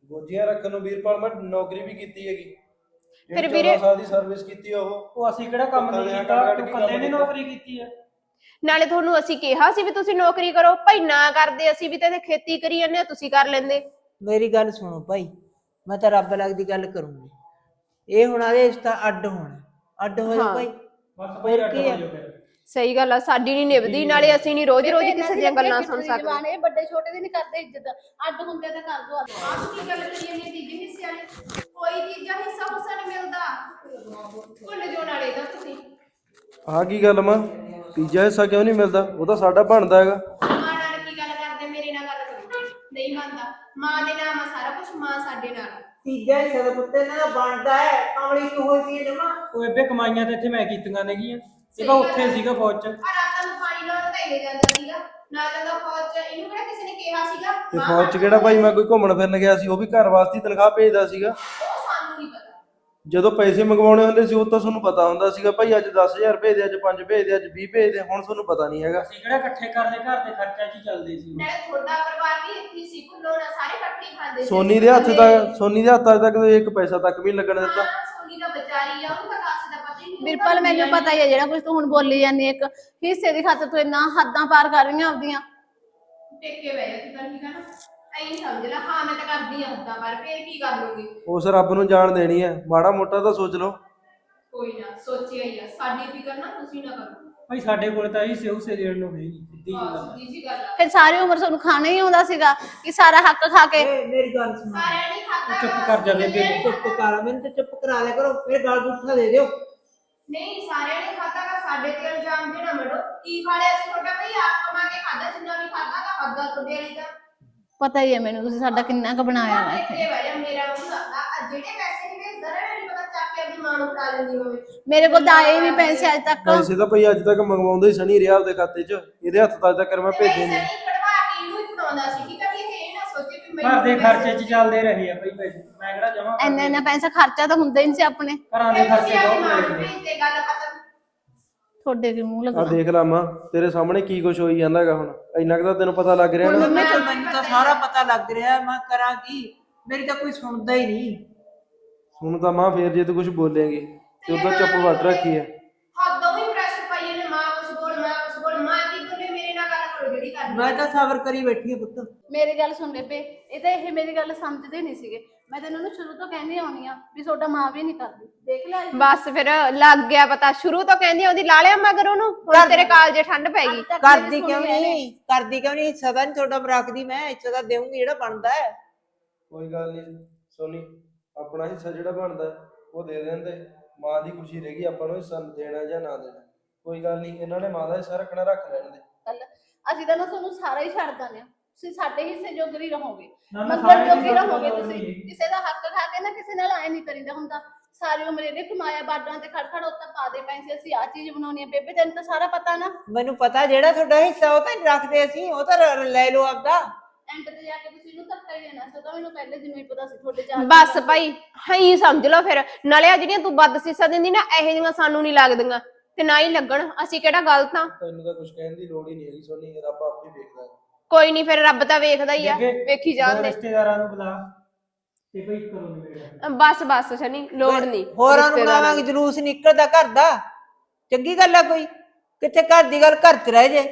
Speaker 3: ਗੋਜੀਆਂ ਰੱਖਣ ਨੂੰ ਵੀਰਪਾਲ ਮੈਂ ਨੌਕਰੀ ਵੀ ਕੀਤੀ ਹੈਗੀ।
Speaker 4: ਫਿਰ
Speaker 3: 14
Speaker 4: ਵੀਰੇ-
Speaker 3: ਸਾਲ ਦੀ ਸਰਵਿਸ ਕੀਤੀ ਆ ਉਹ।
Speaker 5: ਉਹ ਅਸੀਂ ਕਿਹੜਾ ਕੰਮ ਨਹੀਂ
Speaker 3: ਕੱਲਿਆਂ
Speaker 5: ਕੀਤਾ,
Speaker 3: ਕੱਢ
Speaker 5: ਤੂੰ
Speaker 3: ਕੇ
Speaker 5: ਕੱਲੇ
Speaker 3: ਕੰਮ
Speaker 5: ਨੇ
Speaker 3: ਕੀਤਾ।
Speaker 5: ਨੌਕਰੀ ਕੀਤੀ ਆ।
Speaker 4: ਨਾਲੇ ਤੁਹਾਨੂੰ ਅਸੀਂ ਕਿਹਾ ਸੀ ਵੀ ਤੁਸੀਂ ਨੌਕਰੀ ਕਰੋ, ਭਾਈ ਨਾ ਕਰਦੇ, ਅਸੀਂ ਵੀ ਤਾਂ ਇੱਥੇ ਖੇਤੀ ਕਰੀ ਜਾਂਦੇ ਆ, ਤੁਸੀਂ ਕਰ ਲੈਂਦੇ।
Speaker 2: ਮੇਰੀ ਗੱਲ ਸੁਣੋ ਭਾਈ, ਮੈਂ ਤਾਂ ਰੱਬ ਲੱਗਦੀ ਗੱਲ ਕਰੂੰਗੀ। ਇਹ ਹੁਣ ਆਦੇ ਇਸ ਤਾਂ ਅੱਡ ਹੋਣਾ, ਅੱਡ ਹੋ ਜਾਓ
Speaker 4: ਹਾਂ।
Speaker 2: ਭਾਈ।
Speaker 5: ਬਸ ਭਾਈ
Speaker 2: ਹੋਰ
Speaker 5: ਅੱਡ
Speaker 2: ਕੀ
Speaker 5: ਹੋ
Speaker 2: ਆ?
Speaker 5: ਜਾਓ ਫਿਰ।
Speaker 4: ਸਹੀ ਗੱਲ ਆ, ਸਾਡੀ ਨਹੀਂ ਨਿਭਦੀ, ਨਾਲੇ ਅਸੀਂ ਨਹੀਂ ਰੋਜ਼ ਰੋਜ਼ ਕਿਸੇ ਦੀਆਂ ਗੱਲਾਂ ਸੁਣ ਸਕਦੇ।
Speaker 1: ਜਵਾਨ ਇਹ ਵੱਡੇ ਛੋਟੇ ਦੀ ਨਹੀਂ ਕਰਦੇ ਇੱਜ਼ਤ, ਅੱਡ ਹੁੰਦੇ ਤਾਂ ਕਰ ਦੋ।
Speaker 4: ਆਪ ਕੀ ਗੱਲ ਕਰੀ ਜਾਂਦੀ ਤੀਜੇ ਹਿੱਸੇ ਵਾਲੀ? ਕੋਈ ਤੀਜਾ ਹਿੱਸਾ ਹੁੱਸਾ ਨਹੀਂ ਮਿਲਦਾ, ਭੁੱਲ ਜੋ ਨਾਲੇ ਦਾ ਤੁਸੀਂ।
Speaker 3: ਆਹ ਕੀ ਗੱਲ ਮਾਂ, ਤੀਜਾ ਹਿੱਸਾ ਕਿਉਂ ਨਹੀਂ ਮਿਲਦਾ? ਉਹ ਤਾਂ ਸਾਡਾ ਬਣਦਾ ਹੈਗਾ।
Speaker 4: ਮਾਂ ਨਾਲ ਕੀ ਗੱਲ ਕਰਦੇ, ਮੇਰੇ ਨਾਲ ਗੱਲ ਕਰੋ। ਨਹੀਂ ਮੰਨਦਾ, ਮਾਂ ਦੇ ਨਾਮ ਆ ਸਾਰਾ ਕੁਝ, ਮਾਂ ਸਾਡੇ ਨਾਲ।
Speaker 2: ਤੀਜਾ ਹਿੱਸਾ ਦਾ ਪੁੱਤ ਇਹਨਾਂ ਦਾ ਬਣਦਾ ਹੈ, ਕਮਲੀ ਕਿਉਂ ਹੋਈ ਪਈ ਹੈ ਜਮਾ?
Speaker 5: ਉਹ ਬੇਬੇ ਕਮਾਈਆਂ ਤੇ ਇੱਥੇ ਮੈਂ ਕੀਤੀਆਂ ਨੇਗੀਆਂ, ਇਹ ਤਾਂ ਉੱਥੇ ਸੀਗਾ ਫੌਜ 'ਚ।
Speaker 4: ਆ ਰਾਤਾਂ ਨੂੰ ਪਾਣੀ ਲਾਉਣ ਤਾਂ ਇਹ ਜਾਂਦਾ ਸੀਗਾ, ਨਾਲ ਦਾ ਫੌਜ ਚ, ਇਹਨੂੰ ਕਿਹੜਾ ਕਿਸੇ ਨੇ ਕਿਹਾ ਸੀਗਾ?
Speaker 3: ਤੇ
Speaker 4: ਮਾਂ
Speaker 3: ਫੌਜ 'ਚ ਕਿਹੜਾ ਭਾਈ ਮੈਂ ਕੋਈ ਘੁੰਮਣ ਫਿਰਨ ਗਿਆ ਸੀ? ਉਹ ਵੀ ਘਰ ਵਾਸਤੇ ਹੀ ਤਨਖਾਹ ਭੇਜਦਾ ਸੀਗਾ।
Speaker 4: ਉਹ ਸਾਨੂੰ ਨਹੀਂ ਪਤਾ।
Speaker 3: ਜਦੋਂ ਪੈਸੇ ਮੰਗਵਾਉਣੇ ਹੁੰਦੇ ਸੀ ਉਹ ਤਾਂ ਤੁਹਾਨੂੰ ਪਤਾ ਹੁੰਦਾ ਸੀਗਾ ਭਾਈ ਅੱਜ 10,000 ਭੇਜ ਦੇ, ਅੱਜ 5 ਭੇਜ ਦੇ, ਅੱਜ 20 ਭੇਜ ਦੇ। ਹੁਣ ਤੁਹਾਨੂੰ ਪਤਾ ਨਹੀਂ ਹੈਗਾ।
Speaker 5: ਅਸੀਂ ਕਿਹੜਾ ਇਕੱਠੇ ਕਰਦੇ, ਘਰ ਦੇ ਖਰਚਾ 'ਚ ਹੀ ਚੱਲਦੇ ਸੀ।
Speaker 4: ਨਾਲੇ ਤੁਹਾਡਾ ਪਰਿਵਾਰ ਵੀ ਇੱਥੇ ਸੀ, ਕੁੱਲੋਂ ਸਾਰੇ ਇਕੱਠੇ ਹੀ ਖਾਂਦੇ ਸੀ।
Speaker 3: ਸੋਨੀ ਦੇ ਹੱਥ ਤੱਕ, ਸੋਨੀ ਦੇ ਹੱਥ ਤੱਕ ਇੱਕ ਪੈਸਾ ਤੱਕ ਵੀ ਨੀ ਲੱਗਣ ਦਿੱਤਾ।
Speaker 4: ਹਾਂ, ਸੋਨੀ ਦਾ ਵਿਚਾਰੀ ਆ, ਉਹਨੂੰ ਤਾਂ ਕਾਸੇ ਦਾ ਪਤਾ ਹੀ ਨਹੀਂ।
Speaker 1: ਬਿਰਪਲ ਮੈਨੂੰ ਪਤਾ ਹੀ ਹੈ ਜਿਹੜਾ ਕੁਝ ਤੂੰ ਹੁਣ ਬੋਲੀ ਜਾਂਦੀ, ਇੱਕ ਹਿੱਸੇ ਦੀ ਖਾਤਰ ਤੂੰ ਇੰਨਾ ਹੱਦਾਂ ਪਾਰ ਕਰ ਰਹੀਆਂ ਆਪਦੀਆਂ।
Speaker 4: ਟੇਕੇ ਬਹਿ ਜਾ ਤੂੰ ਤਾਂ, ਠੀਕ ਆ ਨਾ? ਐਂ ਸਮਝ ਲੈ, ਹਾਂ ਮੈਂ ਤਾਂ ਕਰਦੀ ਆ ਹੱਦਾਂ, ਪਰ ਫੇਰ ਕੀ ਕਰ ਲੋਗੇ?
Speaker 3: ਉਸ ਰੱਬ ਨੂੰ ਜਾਣ ਦੇਣੀ ਹੈ, ਮਾੜਾ ਮੋਟਾ ਤਾਂ ਸੋਚ ਲਓ।
Speaker 4: ਕੋਈ ਨਾ, ਸੋਚਿਆ ਹੀ ਆ, ਸਾਡੀ ਫਿਕਰ ਨਾ ਤੁਸੀਂ ਨਾ ਕਰੋ।
Speaker 5: ਭਾਈ ਸਾਡੇ ਕੋਲ ਤਾਂ ਇਹ ਸਿਉਸੇ ਦੇਣ ਨੂੰ ਹੈ ਨਹੀਂ, ਸਿੱਧੀ ਜੀ ਗੱਲ ਆ।
Speaker 4: ਸਿੱਧੀ ਜੀ ਗੱਲ ਆ,
Speaker 1: ਫਿਰ ਸਾਰੀ ਉਮਰ ਤੁਹਾਨੂੰ ਖਾਣਾ ਹੀ ਆਉਂਦਾ ਸੀਗਾ ਕਿ ਸਾਰਾ ਹੱਕ ਖਾ ਕੇ।
Speaker 2: ਮੇਰੀ ਗੱਲ ਸੁਣੋ,
Speaker 4: ਸਾਰਿਆਂ ਨੇ ਖਾਧਾ।
Speaker 5: ਚੁੱਪ ਕਰ ਜਾ ਬੇਬੇ।
Speaker 2: ਚੁੱਪ ਕਰ, ਮੈਨੂੰ ਤਾਂ ਚੁੱਪ ਕਰਾ ਲਿਆ ਕਰੋ, ਮੇਰੇ ਗਲ ਗੁੱਠਾ ਦੇ ਦਿਓ।
Speaker 4: ਨਹੀਂ, ਸਾਰਿਆਂ ਨੇ ਖਾਧਾ, ਗਾ ਸਾਡੇ ਤੇ ਇਲਜ਼ਾਮ ਦੇਣਾ ਮੜੋ। ਕੀ ਖਾ ਲਿਆ ਸੀ ਤੁਹਾਡਾ? ਭਈ ਆਪ ਕਮਾ ਕੇ ਖਾਧਾ, ਜਿੰਨਾ ਵੀ ਖਾਧਾ ਤਾਂ ਖਾਧਾ ਤੁਹਾਡੇ ਵਾਲੀ ਤਾਂ।
Speaker 1: ਪਤਾ ਹੀ ਹੈ ਮੈਨੂੰ ਤੁਸੀਂ ਸਾਡਾ ਕਿੰਨਾ ਕੁ ਬਣਾਇਆ ਵਾ ਇੱਥੇ।
Speaker 4: ਟੇਕੇ ਬਹਿ ਜਾ, ਮੇਰਾ ਮੂੰਹ ਲੱਗਦਾ। ਜਿਹੜੇ ਪੈਸੇ ਨਹੀਂ ਭੇਜਦਾ ਨਾ, ਮੈਨੂੰ ਪਤਾ ਚੱਕ ਕੇ ਆਪਣੀ ਮਾਂ ਨੂੰ ਫੜਾ ਦਿੰਦੀ ਹੋਵੇ।
Speaker 1: ਮੇਰੇ ਕੋਲ ਤਾਂ ਆਏ ਨਹੀਂ ਪੈਸੇ ਅੱਜ ਤੱਕ।
Speaker 3: ਪੈਸੇ ਤਾਂ ਭਾਈ ਅੱਜ ਤੱਕ ਮੰਗਵਾਉਂਦਾ ਹੀ ਸਣੀ ਰਿਹਾ ਆਪਦੇ ਖਾਤੇ 'ਚ, ਇਹਦੇ ਹੱਥ ਤੱਕ ਤੱਕ ਮੈਂ ਭੇਜੇ ਨਹੀਂ।
Speaker 4: ਸਨੀ ਕਢਵਾ ਕੇ ਇਹਨੂੰ ਹੀ ਫੜਾਉਂਦਾ ਸੀ, ਠੀਕ ਆ? ਵੀ ਇਹ ਨਾ ਸੋਚੇ ਵੀ
Speaker 5: ਘਰ ਦੇ
Speaker 4: ਮੈਨੂੰ
Speaker 5: ਖਰਚੇ 'ਚ ਚੱਲਦੇ ਰਹੇ ਆ ਭਾਈ ਪੈਸੇ, ਮੈਂ ਕਿਹੜਾ ਜਮਾ
Speaker 1: ਇੰਨਾ ਪੈਸਾ ਖਰਚਾ ਤਾਂ ਹੁੰਦਾ ਹੀ ਨਹੀਂ ਸੀ ਆਪਣੇ।
Speaker 5: ਘਰਾਂ ਦੇ ਖਰਚੇ ਬਹੁਤ
Speaker 4: ਮਾਂ
Speaker 5: ਹੋਏ
Speaker 4: ਨੂੰ
Speaker 5: ਸੀ।
Speaker 4: ਭੇਜਦੇ, ਗੱਲ ਖਤਮ।
Speaker 1: ਤੁਹਾਡੇ ਕੀ ਮੂੰਹ
Speaker 3: ਆ
Speaker 1: ਲੱਗਣਾ।
Speaker 3: ਦੇਖ ਲਾ ਮਾਂ, ਤੇਰੇ ਸਾਹਮਣੇ ਕੀ ਕੁਛ ਹੋਈ ਜਾਂਦਾ ਹੈਗਾ ਹੁਣ। ਇੰਨਾ ਕੁ ਤਾਂ ਤੈਨੂੰ ਪਤਾ ਲੱਗ ਰਿਹਾ ਨਾ।
Speaker 2: ਮੈਨੂੰ ਤਾਂ ਸਾਰਾ ਪਤਾ ਲੱਗ ਰਿਹਾ, ਮੈਂ ਕਰਾਂ ਕੀ? ਮੇਰੀ ਤਾਂ ਕੋਈ ਸੁਣਦਾ ਹੀ ਨਹੀਂ।
Speaker 3: ਹੁਣ ਤਾਂ ਮਾਂ ਫੇਰ ਜੇ ਤੂੰ ਕੁਝ ਬੋਲੇਂਗੀ ਤੇ ਉਦੋਂ ਚੁੱਪ ਵੱਟ ਰੱਖੀ ਹੈ।
Speaker 4: ਹੱਦੋਂ ਹੀ ਪ੍ਰੈਸ਼ਰ ਪਾਈ ਇਹਨੇ, ਮਾਂ ਕੁਛ ਬੋਲ, ਮਾਂ ਕੁਛ ਬੋਲ। ਮਾਂ ਕੀ ਬੋਲੇ, ਮੇਰੇ ਨਾਲ ਗੱਲ ਕਰੋ ਜਿਹੜੀ ਕਰਨੀ।
Speaker 2: ਮੈਂ ਤਾਂ ਸਬਰ ਕਰੀ ਬੈਠੀ ਹਾਂ ਪੁੱਤ।
Speaker 1: ਮੇਰੀ ਗੱਲ ਸੁਣ ਬੇਬੇ, ਇਹ ਤਾਂ ਇਹ ਮੇਰੀ ਗੱਲ ਸਮਝਦੇ ਨਹੀਂ ਸੀਗੇ। ਮੈਂ ਤੈਨੂੰ ਉਹਨੂੰ ਸ਼ੁਰੂ ਤੋਂ ਕਹਿੰਦੀ ਆਉਣੀ ਆ ਵੀ ਤੁਹਾਡਾ ਮਾਂ ਵੀ ਨਹੀਂ ਕਰਦੀ। ਦੇਖ ਲੈ
Speaker 4: ਬਸ ਫਿਰ ਲੱਗ ਗਿਆ ਪਤਾ, ਸ਼ੁਰੂ ਤੋਂ ਕਹਿੰਦੀ ਉਹਦੀ ਲਾ ਲਿਆ ਮਗਰ ਉਹਨੂੰ। ਹੁਣ ਤੇਰੇ ਕਾਲਜੇ ਠੰਡ ਪੈ ਗਈ।
Speaker 2: ਕਰਦੀ ਕਿਉਂ ਨਹੀਂ? ਕਰਦੀ ਕਿਉਂ ਨਹੀਂ? ਹਿੱਸਾ ਤਾਂ ਨਹੀਂ ਤੁਹਾਡਾ ਰੱਖਦੀ, ਮੈਂ ਹਿੱਸਾ ਤਾਂ ਦੇਵਾਂਗੀ ਜਿਹੜਾ ਬਣਦਾ ਹੈ।
Speaker 3: ਕੋਈ ਗੱਲ ਨਹੀਂ ਸੋਨੀ, ਆਪਣਾ ਹਿੱਸਾ ਜਿਹੜਾ ਬਣਦਾ ਉਹ ਦੇ ਦਿੰਦੇ। ਮਾਂ ਦੀ ਖੁਸ਼ੀ ਰਹੇਗੀ, ਆਪਾਂ ਨੂੰ ਹਿੱਸਾ ਦੇਣਾ ਜਾਂ ਨਾ ਦੇਣਾ। ਕੋਈ ਗੱਲ ਨਹੀਂ, ਇਹਨਾਂ ਨੇ ਮਾਂ ਦਾ ਹਿੱਸਾ ਰੱਖਣਾ, ਰੱਖ ਲੈਣ ਦੇ।
Speaker 1: ਅਸੀਂ ਤਾਂ ਨਾ ਤੁਹਾਨੂੰ ਸਾਰਾ ਹੀ ਛੱਡ ਦਾਂਗੇ। ਤੁਸੀਂ ਸਾਡੇ ਹਿੱਸੇ ਜੋਗਰੀ ਰਹੋਗੇ,
Speaker 5: ਨਾ
Speaker 1: ਮੰਗਣ ਜੋਗੀ ਰਹੋਗੇ ਤੁਸੀਂ। ਕਿਸੇ ਦਾ ਹੱਕ ਖਾ ਕੇ ਨਾ ਕਿਸੇ ਨਾਲ ਐ ਨਹੀਂ ਕਰੀਦਾ ਹੁੰਦਾ। ਸਾਰੀ ਉਮਰ ਇਹਨੇ ਕਮਾਇਆ, ਬਾਡਾਂ ਤੇ ਖੜ ਖੜ ਉੱਤੇ ਪਾ ਦੇ ਪੈਸੇ, ਅਸੀਂ ਆ ਚੀਜ਼ ਬਣਾਉਣੀ ਹੈ। ਬੇਬੇ ਤੈਨੂੰ ਤਾਂ ਸਾਰਾ ਪਤਾ ਨਾ।
Speaker 2: ਮੈਨੂੰ ਪਤਾ ਜਿਹੜਾ ਤੁਹਾਡਾ ਹਿੱਸਾ ਉਹ ਤਾਂ ਨਹੀਂ ਰੱਖਦੇ ਅਸੀਂ, ਉਹ ਤਾਂ ਲੈ ਲਓ ਆਪਦਾ।
Speaker 1: ਐਂਡ ਤੇ ਜਾ ਕੇ ਤੁਸੀਂ ਇਹਨੂੰ ਧੱਕਾ ਹੀ ਦੇਣਾ ਸੀ। ਉਹ ਤਾਂ ਮੈਨੂੰ ਪਹਿਲੇ ਦਿਨੋਂ ਹੀ ਪਤਾ ਸੀ ਤੁਹਾਡੇ ਚਾਰ।
Speaker 4: ਬਸ ਭਾਈ ਹੀ ਸਮਝ ਲਓ ਫਿਰ। ਨਾਲੇ ਆ ਜਿਹੜੀਆਂ ਤੂੰ ਵੱਧ ਸੀਸਾਂ ਦਿੰਦੀ ਨਾ, ਇਹੋ ਜਿਹੀਆਂ ਸਾਨੂੰ ਨਹੀਂ ਲੱਗਦੀਆਂ ਤੇ ਨਾ ਹੀ ਲੱਗਣ। ਅਸੀਂ ਕਿਹੜਾ ਗਲਤ ਆ?
Speaker 3: ਤੈਨੂੰ ਤਾਂ ਕੁਝ ਕਹਿਣ ਦੀ ਲੋੜ ਹੀ ਨਹੀਂ ਹੈਗੀ ਸੋਨੀ, ਰੱਬ ਆਪੇ ਵੇਖਦਾ ਹੈ।
Speaker 4: ਕੋਈ ਨਹੀਂ, ਫਿਰ ਰੱਬ ਤਾਂ ਵੇਖਦਾ ਹੀ ਆ, ਵੇਖੀ ਜਾਣ ਦੇ।
Speaker 5: ਰਿਸ਼ਤੇਦਾਰਾਂ ਨੂੰ ਬੁਲਾ ਤੇ ਭਾਈ ਕਰੋ ਮੇਰੇ
Speaker 4: ਬਸ ਬਸ ਸ਼ਨੀ, ਲੋੜ ਨਹੀਂ।
Speaker 2: ਹੋਰਾਂ ਨੂੰ ਬਣਾਵਾਂਗੇ, ਜਲੂਸ ਨਿਕਲਦਾ ਘਰ ਦਾ। ਚੰਗੀ ਗੱਲ ਆ ਕੋਈ? ਕਿੱਥੇ ਘਰ ਦੀ ਗੱਲ ਘਰ 'ਚ ਰਹਿ ਜੇ।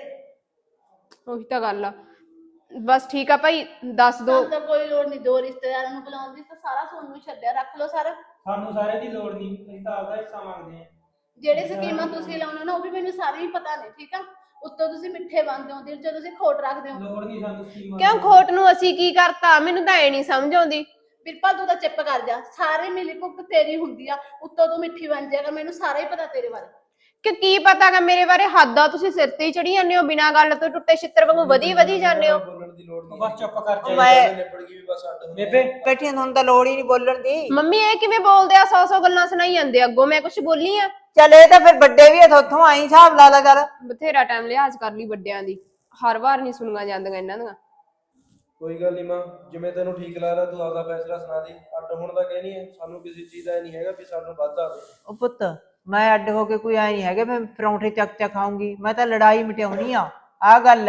Speaker 4: ਉਹੀ ਤਾਂ ਗੱਲ ਆ। ਬਸ ਠੀਕ ਆ ਭਾਈ, ਦੱਸ ਦੋ।
Speaker 1: ਸਾਨੂੰ ਤਾਂ ਕੋਈ ਲੋੜ ਨਹੀਂ ਦੋ ਰਿਸ਼ਤੇਦਾਰਾਂ ਨੂੰ ਬੁਲਾਉਣ ਦੀ। ਤਾਂ ਸਾਰਾ ਤੁਹਾਨੂੰ ਛੱਡਿਆ, ਰੱਖ ਲਓ ਸਾਰਾ।
Speaker 5: ਸਾਨੂੰ ਸਾਰੇ ਦੀ ਲੋੜ ਨਹੀਂ, ਅਸੀਂ ਤਾਂ ਆਪਦਾ ਹਿੱਸਾ ਮੰਗਦੇ ਆ।
Speaker 1: ਜਿਹੜੇ ਸਕੀਮਾਂ ਤੁਸੀਂ ਲਾਉਣੇ ਨਾ ਉਹ ਵੀ ਮੈਨੂੰ ਸਾਰੀ ਹੀ ਪਤਾ ਨੇ, ਠੀਕ ਆ? ਉੱਤੋਂ ਤੁਸੀਂ ਮਿੱਠੇ ਬਣਦੇ ਹੋ, ਦਿਲ 'ਚ ਤੁਸੀਂ ਖੋਟ ਰੱਖਦੇ ਹੋ।
Speaker 5: ਲੋੜ ਨਹੀਂ ਸਾਨੂੰ ਸਕੀਮਾਂ
Speaker 4: ਕਿਉਂ ਖੋਟ ਨੂੰ ਅਸੀਂ ਕੀ ਕਰਤਾ? ਮੈਨੂੰ ਤਾਂ ਐ ਨਹੀਂ ਸਮਝ ਆਉਂਦੀ।
Speaker 1: ਬਿਰਪਾ ਤੂੰ ਤਾਂ ਚੁੱਪ ਕਰ ਜਾ। ਸਾਰੇ ਮਿਲੀ ਭੁਗਤ ਤੇਰੀ ਹੁੰਦੀ ਆ, ਉੱਤੋਂ ਤੂੰ ਮਿੱਠੀ ਬਣ ਜਾਏਗਾ। ਮੈਨੂੰ ਸਾਰਾ ਹੀ ਪਤਾ ਤੇਰੇ ਬਾਰੇ।
Speaker 4: ਕਿ ਕੀ ਪਤਾਗਾ ਮੇਰੇ ਬਾਰੇ? ਹੱਦ ਆ, ਤੁਸੀਂ ਸਿਰ ਤੇ ਹੀ ਚੜੀ ਜਾਂਦੇ ਹੋ, ਬਿਨਾਂ ਗੱਲ ਤੋਂ ਟੁੱਟੇ ਛਿੱਤਰ ਵਾਂਗੂ ਵਧੀ ਜਾਂਦੇ ਹੋ।
Speaker 3: ਬੋਲਣ ਦੀ ਲੋੜ ਨਹੀਂ।
Speaker 5: ਬਸ ਚੁੱਪ ਕਰ ਜਾ
Speaker 2: ਮੈਂ
Speaker 3: ਨਿਬੜ ਗਈ ਵੀ ਬਸ ਅੱਡ ਹੋ ਗਏ।
Speaker 5: ਬੇਬੇ।
Speaker 2: ਬੈਠੀਆਂ ਤੁਹਾਨੂੰ ਤਾਂ ਲੋੜ ਹੀ ਨਹੀਂ ਬੋਲਣ ਦੀ।
Speaker 4: ਮੰਮੀ ਇਹ ਕਿਵੇਂ ਬੋਲਦੇ ਆ? 100 ਗੱਲਾਂ ਸੁਣਾਈ ਜਾਂਦੇ ਆ। ਅੱਗੋਂ ਮੈਂ ਕੁਝ ਬੋਲੀ ਆ?
Speaker 2: ਚੱਲ ਇਹ ਤਾਂ ਫਿਰ ਵੱਡੇ ਵੀ ਆ, ਉੱਥੋਂ ਆਈ ਹਿਸਾਬ ਲਾ ਲਾ ਕਰ।
Speaker 4: ਬਥੇਰਾ ਟਾਈਮ ਲਿਹਾਜ਼ ਕਰ ਲਈ ਵੱਡਿਆਂ ਦੀ, ਹਰ ਵਾਰ ਨਹੀਂ ਸੁਣੀਆਂ ਜਾਂਦੀਆਂ ਇਹਨਾਂ ਦੀਆਂ।
Speaker 3: ਕੋਈ ਗੱਲ ਨਹੀਂ ਮਾਂ, ਜਿਵੇਂ ਤੈਨੂੰ ਠੀਕ ਲੱਗਦਾ ਤੂੰ ਆਪਦਾ ਫੈਸਲਾ ਸੁਣਾ ਦੇ। ਅੱਡ ਹੋਣ ਦਾ ਕਹਿਣੀ ਹੈ, ਸਾਨੂੰ ਕਿਸੇ ਚੀਜ਼ ਦਾ ਨਹੀਂ ਹੈਗਾ ਵੀ ਸਾਨੂੰ ਵੱਧ ਆਵੇ।
Speaker 2: ਉਹ ਪੁੱਤ ਮੈਂ ਅੱਡ ਹੋ ਕੇ ਕੋਈ ਆਈ ਨਹੀਂ ਹੈਗੇ ਮੈਂ ਪਰੌਂਠੇ ਚੱਕ ਚੱਕ ਖਾਊਂਗੀ। ਮੈਂ ਤਾਂ ਲੜਾਈ ਮਿਟਾਉਣੀ ਆ, ਆਹ ਗੱਲ ਹੈ।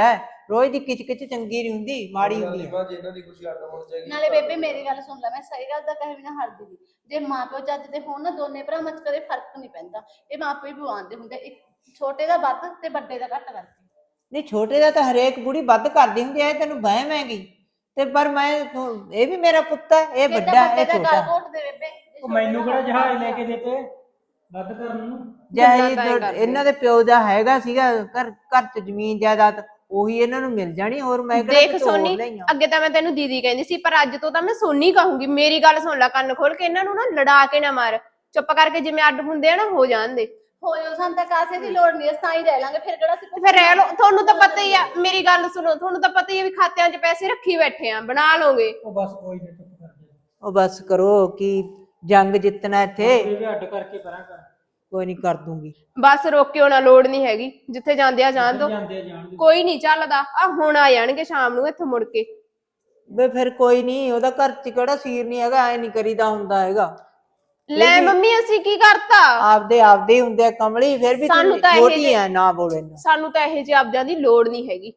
Speaker 2: ਰੋਜ਼ ਦੀ ਕਿਚ ਚੰਗੀ ਨਹੀਂ ਹੁੰਦੀ, ਮਾੜੀ ਹੁੰਦੀ ਹੈ।
Speaker 3: ਬਾਅਦ ਇਹਨਾਂ ਦੀ ਖੁਸ਼ੀ ਅੱਡ ਹੋਣੀ ਚਾਹੀਦੀ।
Speaker 1: ਨਾਲੇ ਬੇਬੇ ਮੇਰੀ ਗੱਲ ਸੁਣ ਲੈ, ਮੈਂ ਸਹੀ ਗੱਲ ਤਾਂ ਕਹੇ ਬਿਨਾ ਹਟਦੀ ਨੀ। ਜੇ ਮਾਪਿਓ ਚੱਜ ਦੇ ਹੋਣ ਨਾ, ਦੋਨੇ ਭਰਾਵਾਂ 'ਚ ਕਦੇ ਫਰਕ ਨਹੀਂ ਪੈਂਦਾ। ਇਹ ਮਾਪੇ ਹੀ ਪਵਾਉਂਦੇ ਹੁੰਦੇ, ਇੱਕ ਛੋਟੇ ਦਾ ਵੱਧ ਤੇ ਵੱਡੇ ਦਾ ਘੱਟ ਕਰਕੇ।
Speaker 2: ਨਹੀਂ ਛੋਟੇ ਦਾ ਤਾਂ ਹਰੇਕ ਬੁੜੀ ਵੱਧ ਕਰਦੀ ਹੁੰਦੀ ਐ, ਤੈਨੂੰ ਵਹਿਮ ਹੈਗੀ ਤੇ ਪਰ ਮੈਂ ਇਹ ਵੀ ਮੇਰਾ ਪੁੱਤ ਹੈ, ਇਹ
Speaker 1: ਫਿਰ ਤਾਂ
Speaker 2: ਵੱਡਾ
Speaker 1: ਵੱਡੇ
Speaker 2: ਇਹ
Speaker 1: ਦਾ
Speaker 2: ਛੋਟਾ।
Speaker 1: ਗਲ ਘੋਟ ਦੇ ਬੇਬੇ, ਜੇ
Speaker 5: ਉਹ
Speaker 1: ਛੋਟੇ
Speaker 5: ਮੈਨੂੰ
Speaker 1: ਦਾ
Speaker 5: ਕਿਹੜਾ
Speaker 1: ਵੱਧ
Speaker 5: ਜਹਾਜ਼
Speaker 1: ਕਰਦਾ।
Speaker 5: ਲੈ ਕੇ ਦਿੱਤੇ ਵੱਧ ਕਰਨ ਨੂੰ।
Speaker 2: ਜਿਹੀ
Speaker 4: ਗੱਲਾਂ ਤਾਂ ਐਂ ਕਰਦੇ।
Speaker 2: ਇਹਨਾਂ ਦੇ ਪਿਓ ਦਾ ਹੈਗਾ ਸੀਗਾ ਘਰ ਘਰ ਚ ਜ਼ਮੀਨ ਜਾਇਦਾਦ, ਉਹੀ ਇਹਨਾਂ ਨੂੰ ਮਿਲ ਜਾਣੀ। ਹੋਰ ਮੈਂ ਕਿਹੜਾ
Speaker 4: ਦੇਖ
Speaker 2: ਕੁਝ ਹੋਰ
Speaker 4: ਸੋਨੀ,
Speaker 2: ਲਈਆਂ।
Speaker 4: ਅੱਗੇ ਤਾਂ ਮੈਂ ਤੈਨੂੰ ਦੀਦੀ ਕਹਿੰਦੀ ਸੀ, ਪਰ ਅੱਜ ਤੋਂ ਤਾਂ ਮੈਂ ਸੋਨੀ ਕਹੂੰਗੀ। ਮੇਰੀ ਗੱਲ ਸੁਣ ਲੈ ਕੰਨ ਖੋਲ ਕੇ, ਇਹਨਾਂ ਨੂੰ ਨਾ ਲੜਾ ਕੇ ਨਾ ਮਾਰ, ਚੁੱਪ ਕਰਕੇ ਜਿਵੇਂ ਅੱਡ ਹੁੰਦੇ ਆ ਨਾ ਹੋ ਜਾਣ ਦੇ।
Speaker 1: ਹੋਇਓ, ਸਾਨੂੰ ਤਾਂ ਕਾਸੇ ਦੀ ਲੋੜ ਨਹੀਂ, ਅਸੀਂ ਤਾਂ ਹੀ ਰਹਿ ਲਾਂਗੇ। ਫਿਰ ਕਿਹੜਾ ਸੀ
Speaker 4: ਤੇ ਫਿਰ ਰਹਿ ਲਓ, ਤੁਹਾਨੂੰ ਤਾਂ ਪਤਾ ਹੀ ਆ। ਮੇਰੀ ਗੱਲ ਸੁਣੋ, ਤੁਹਾਨੂੰ ਤਾਂ ਪਤਾ ਹੀ ਆ ਵੀ ਖਾਤਿਆਂ 'ਚ ਪੈਸੇ ਰੱਖੀ ਬੈਠੇ ਆ, ਬਣਾ ਲਓਗੇ।
Speaker 5: ਉਹ ਬਸ ਕੋਈ ਨਹੀਂ, ਚੁੱਪ ਕਰ ਜਾ।
Speaker 2: ਉਹ ਬਸ ਕਰੋ, ਕੀ ਜੰਗ ਜਿੱਤਣਾ ਇੱਥੇ।
Speaker 5: ਇਹ ਵੀ ਅੱਡ ਕਰਕੇ ਪਰਾਂ ਕਰ।
Speaker 2: ਕੋਈ ਨਹੀਂ ਕਰ ਦੂੰਗੀ।
Speaker 4: ਬਸ ਰੋਕਿਓ ਨਾ, ਲੋੜ ਨਹੀਂ ਹੈਗੀ। ਜਿੱਥੇ ਜਾਂਦੇ ਆ ਜਾਣ ਦੋ,
Speaker 5: ਜਾਂਦੇ ਆ ਜਾਣ ਦੇ।
Speaker 4: ਕੋਈ ਨਹੀਂ ਚੱਲਦਾ। ਆ ਹੁਣ ਆ ਜਾਣਗੇ ਸ਼ਾਮ ਨੂੰ ਇੱਥੇ ਮੁੜ ਕੇ।
Speaker 2: ਵੇ ਫਿਰ ਕੋਈ ਨਹੀਂ, ਉਹਦਾ ਘਰ ਚ ਕਿਹੜਾ ਸੀਰ ਨਹੀਂ ਹੈਗਾ, ਐ ਨਹੀਂ ਕਰੀਦਾ ਹੁੰਦਾ ਹੈਗਾ।
Speaker 4: ਲੈ ਮੰਮੀ, ਅਸੀਂ ਕੀ ਕਰਤਾ?
Speaker 2: ਆਪਦੇ ਹੀ ਹੁੰਦੇ ਆ ਕਮਲੀ, ਫਿਰ ਵੀ
Speaker 4: ਸਾਨੂੰ
Speaker 2: ਤੂੰ
Speaker 4: ਤਾਂ ਇਹ
Speaker 2: ਛੋਟੀ
Speaker 4: ਜੇ-
Speaker 2: ਆ, ਨਾ ਬੋਲੇ ਨਾ।
Speaker 4: ਸਾਨੂੰ ਤਾਂ ਇਹੋ ਜਿਹੇ ਆਪਦਿਆਂ ਦੀ ਲੋੜ ਨਹੀਂ ਹੈਗੀ।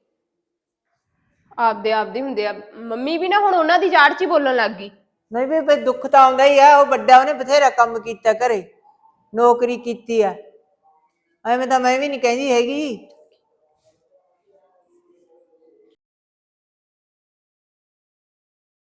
Speaker 4: ਆਪਦੇ ਹੁੰਦੇ ਆ। ਮੰਮੀ ਵੀ ਨਾ ਹੁਣ ਉਹਨਾਂ ਦੀ ਜਾੜ 'ਚ ਹੀ ਬੋਲਣ ਲੱਗ ਗਈ।
Speaker 2: ਨਹੀਂ ਵੀ ਫਿਰ ਦੁੱਖ ਤਾਂ ਆਉਂਦਾ ਹੀ ਆ। ਉਹ ਵੱਡਾ, ਉਹਨੇ ਬਥੇਰਾ ਕੰਮ ਕੀਤਾ ਘਰੇ, ਨੌਕਰੀ ਕੀਤੀ ਆ। ਐਵੇਂ ਤਾਂ ਮੈਂ ਵੀ ਨਹੀਂ ਕਹਿੰਦੀ ਹੈਗੀ,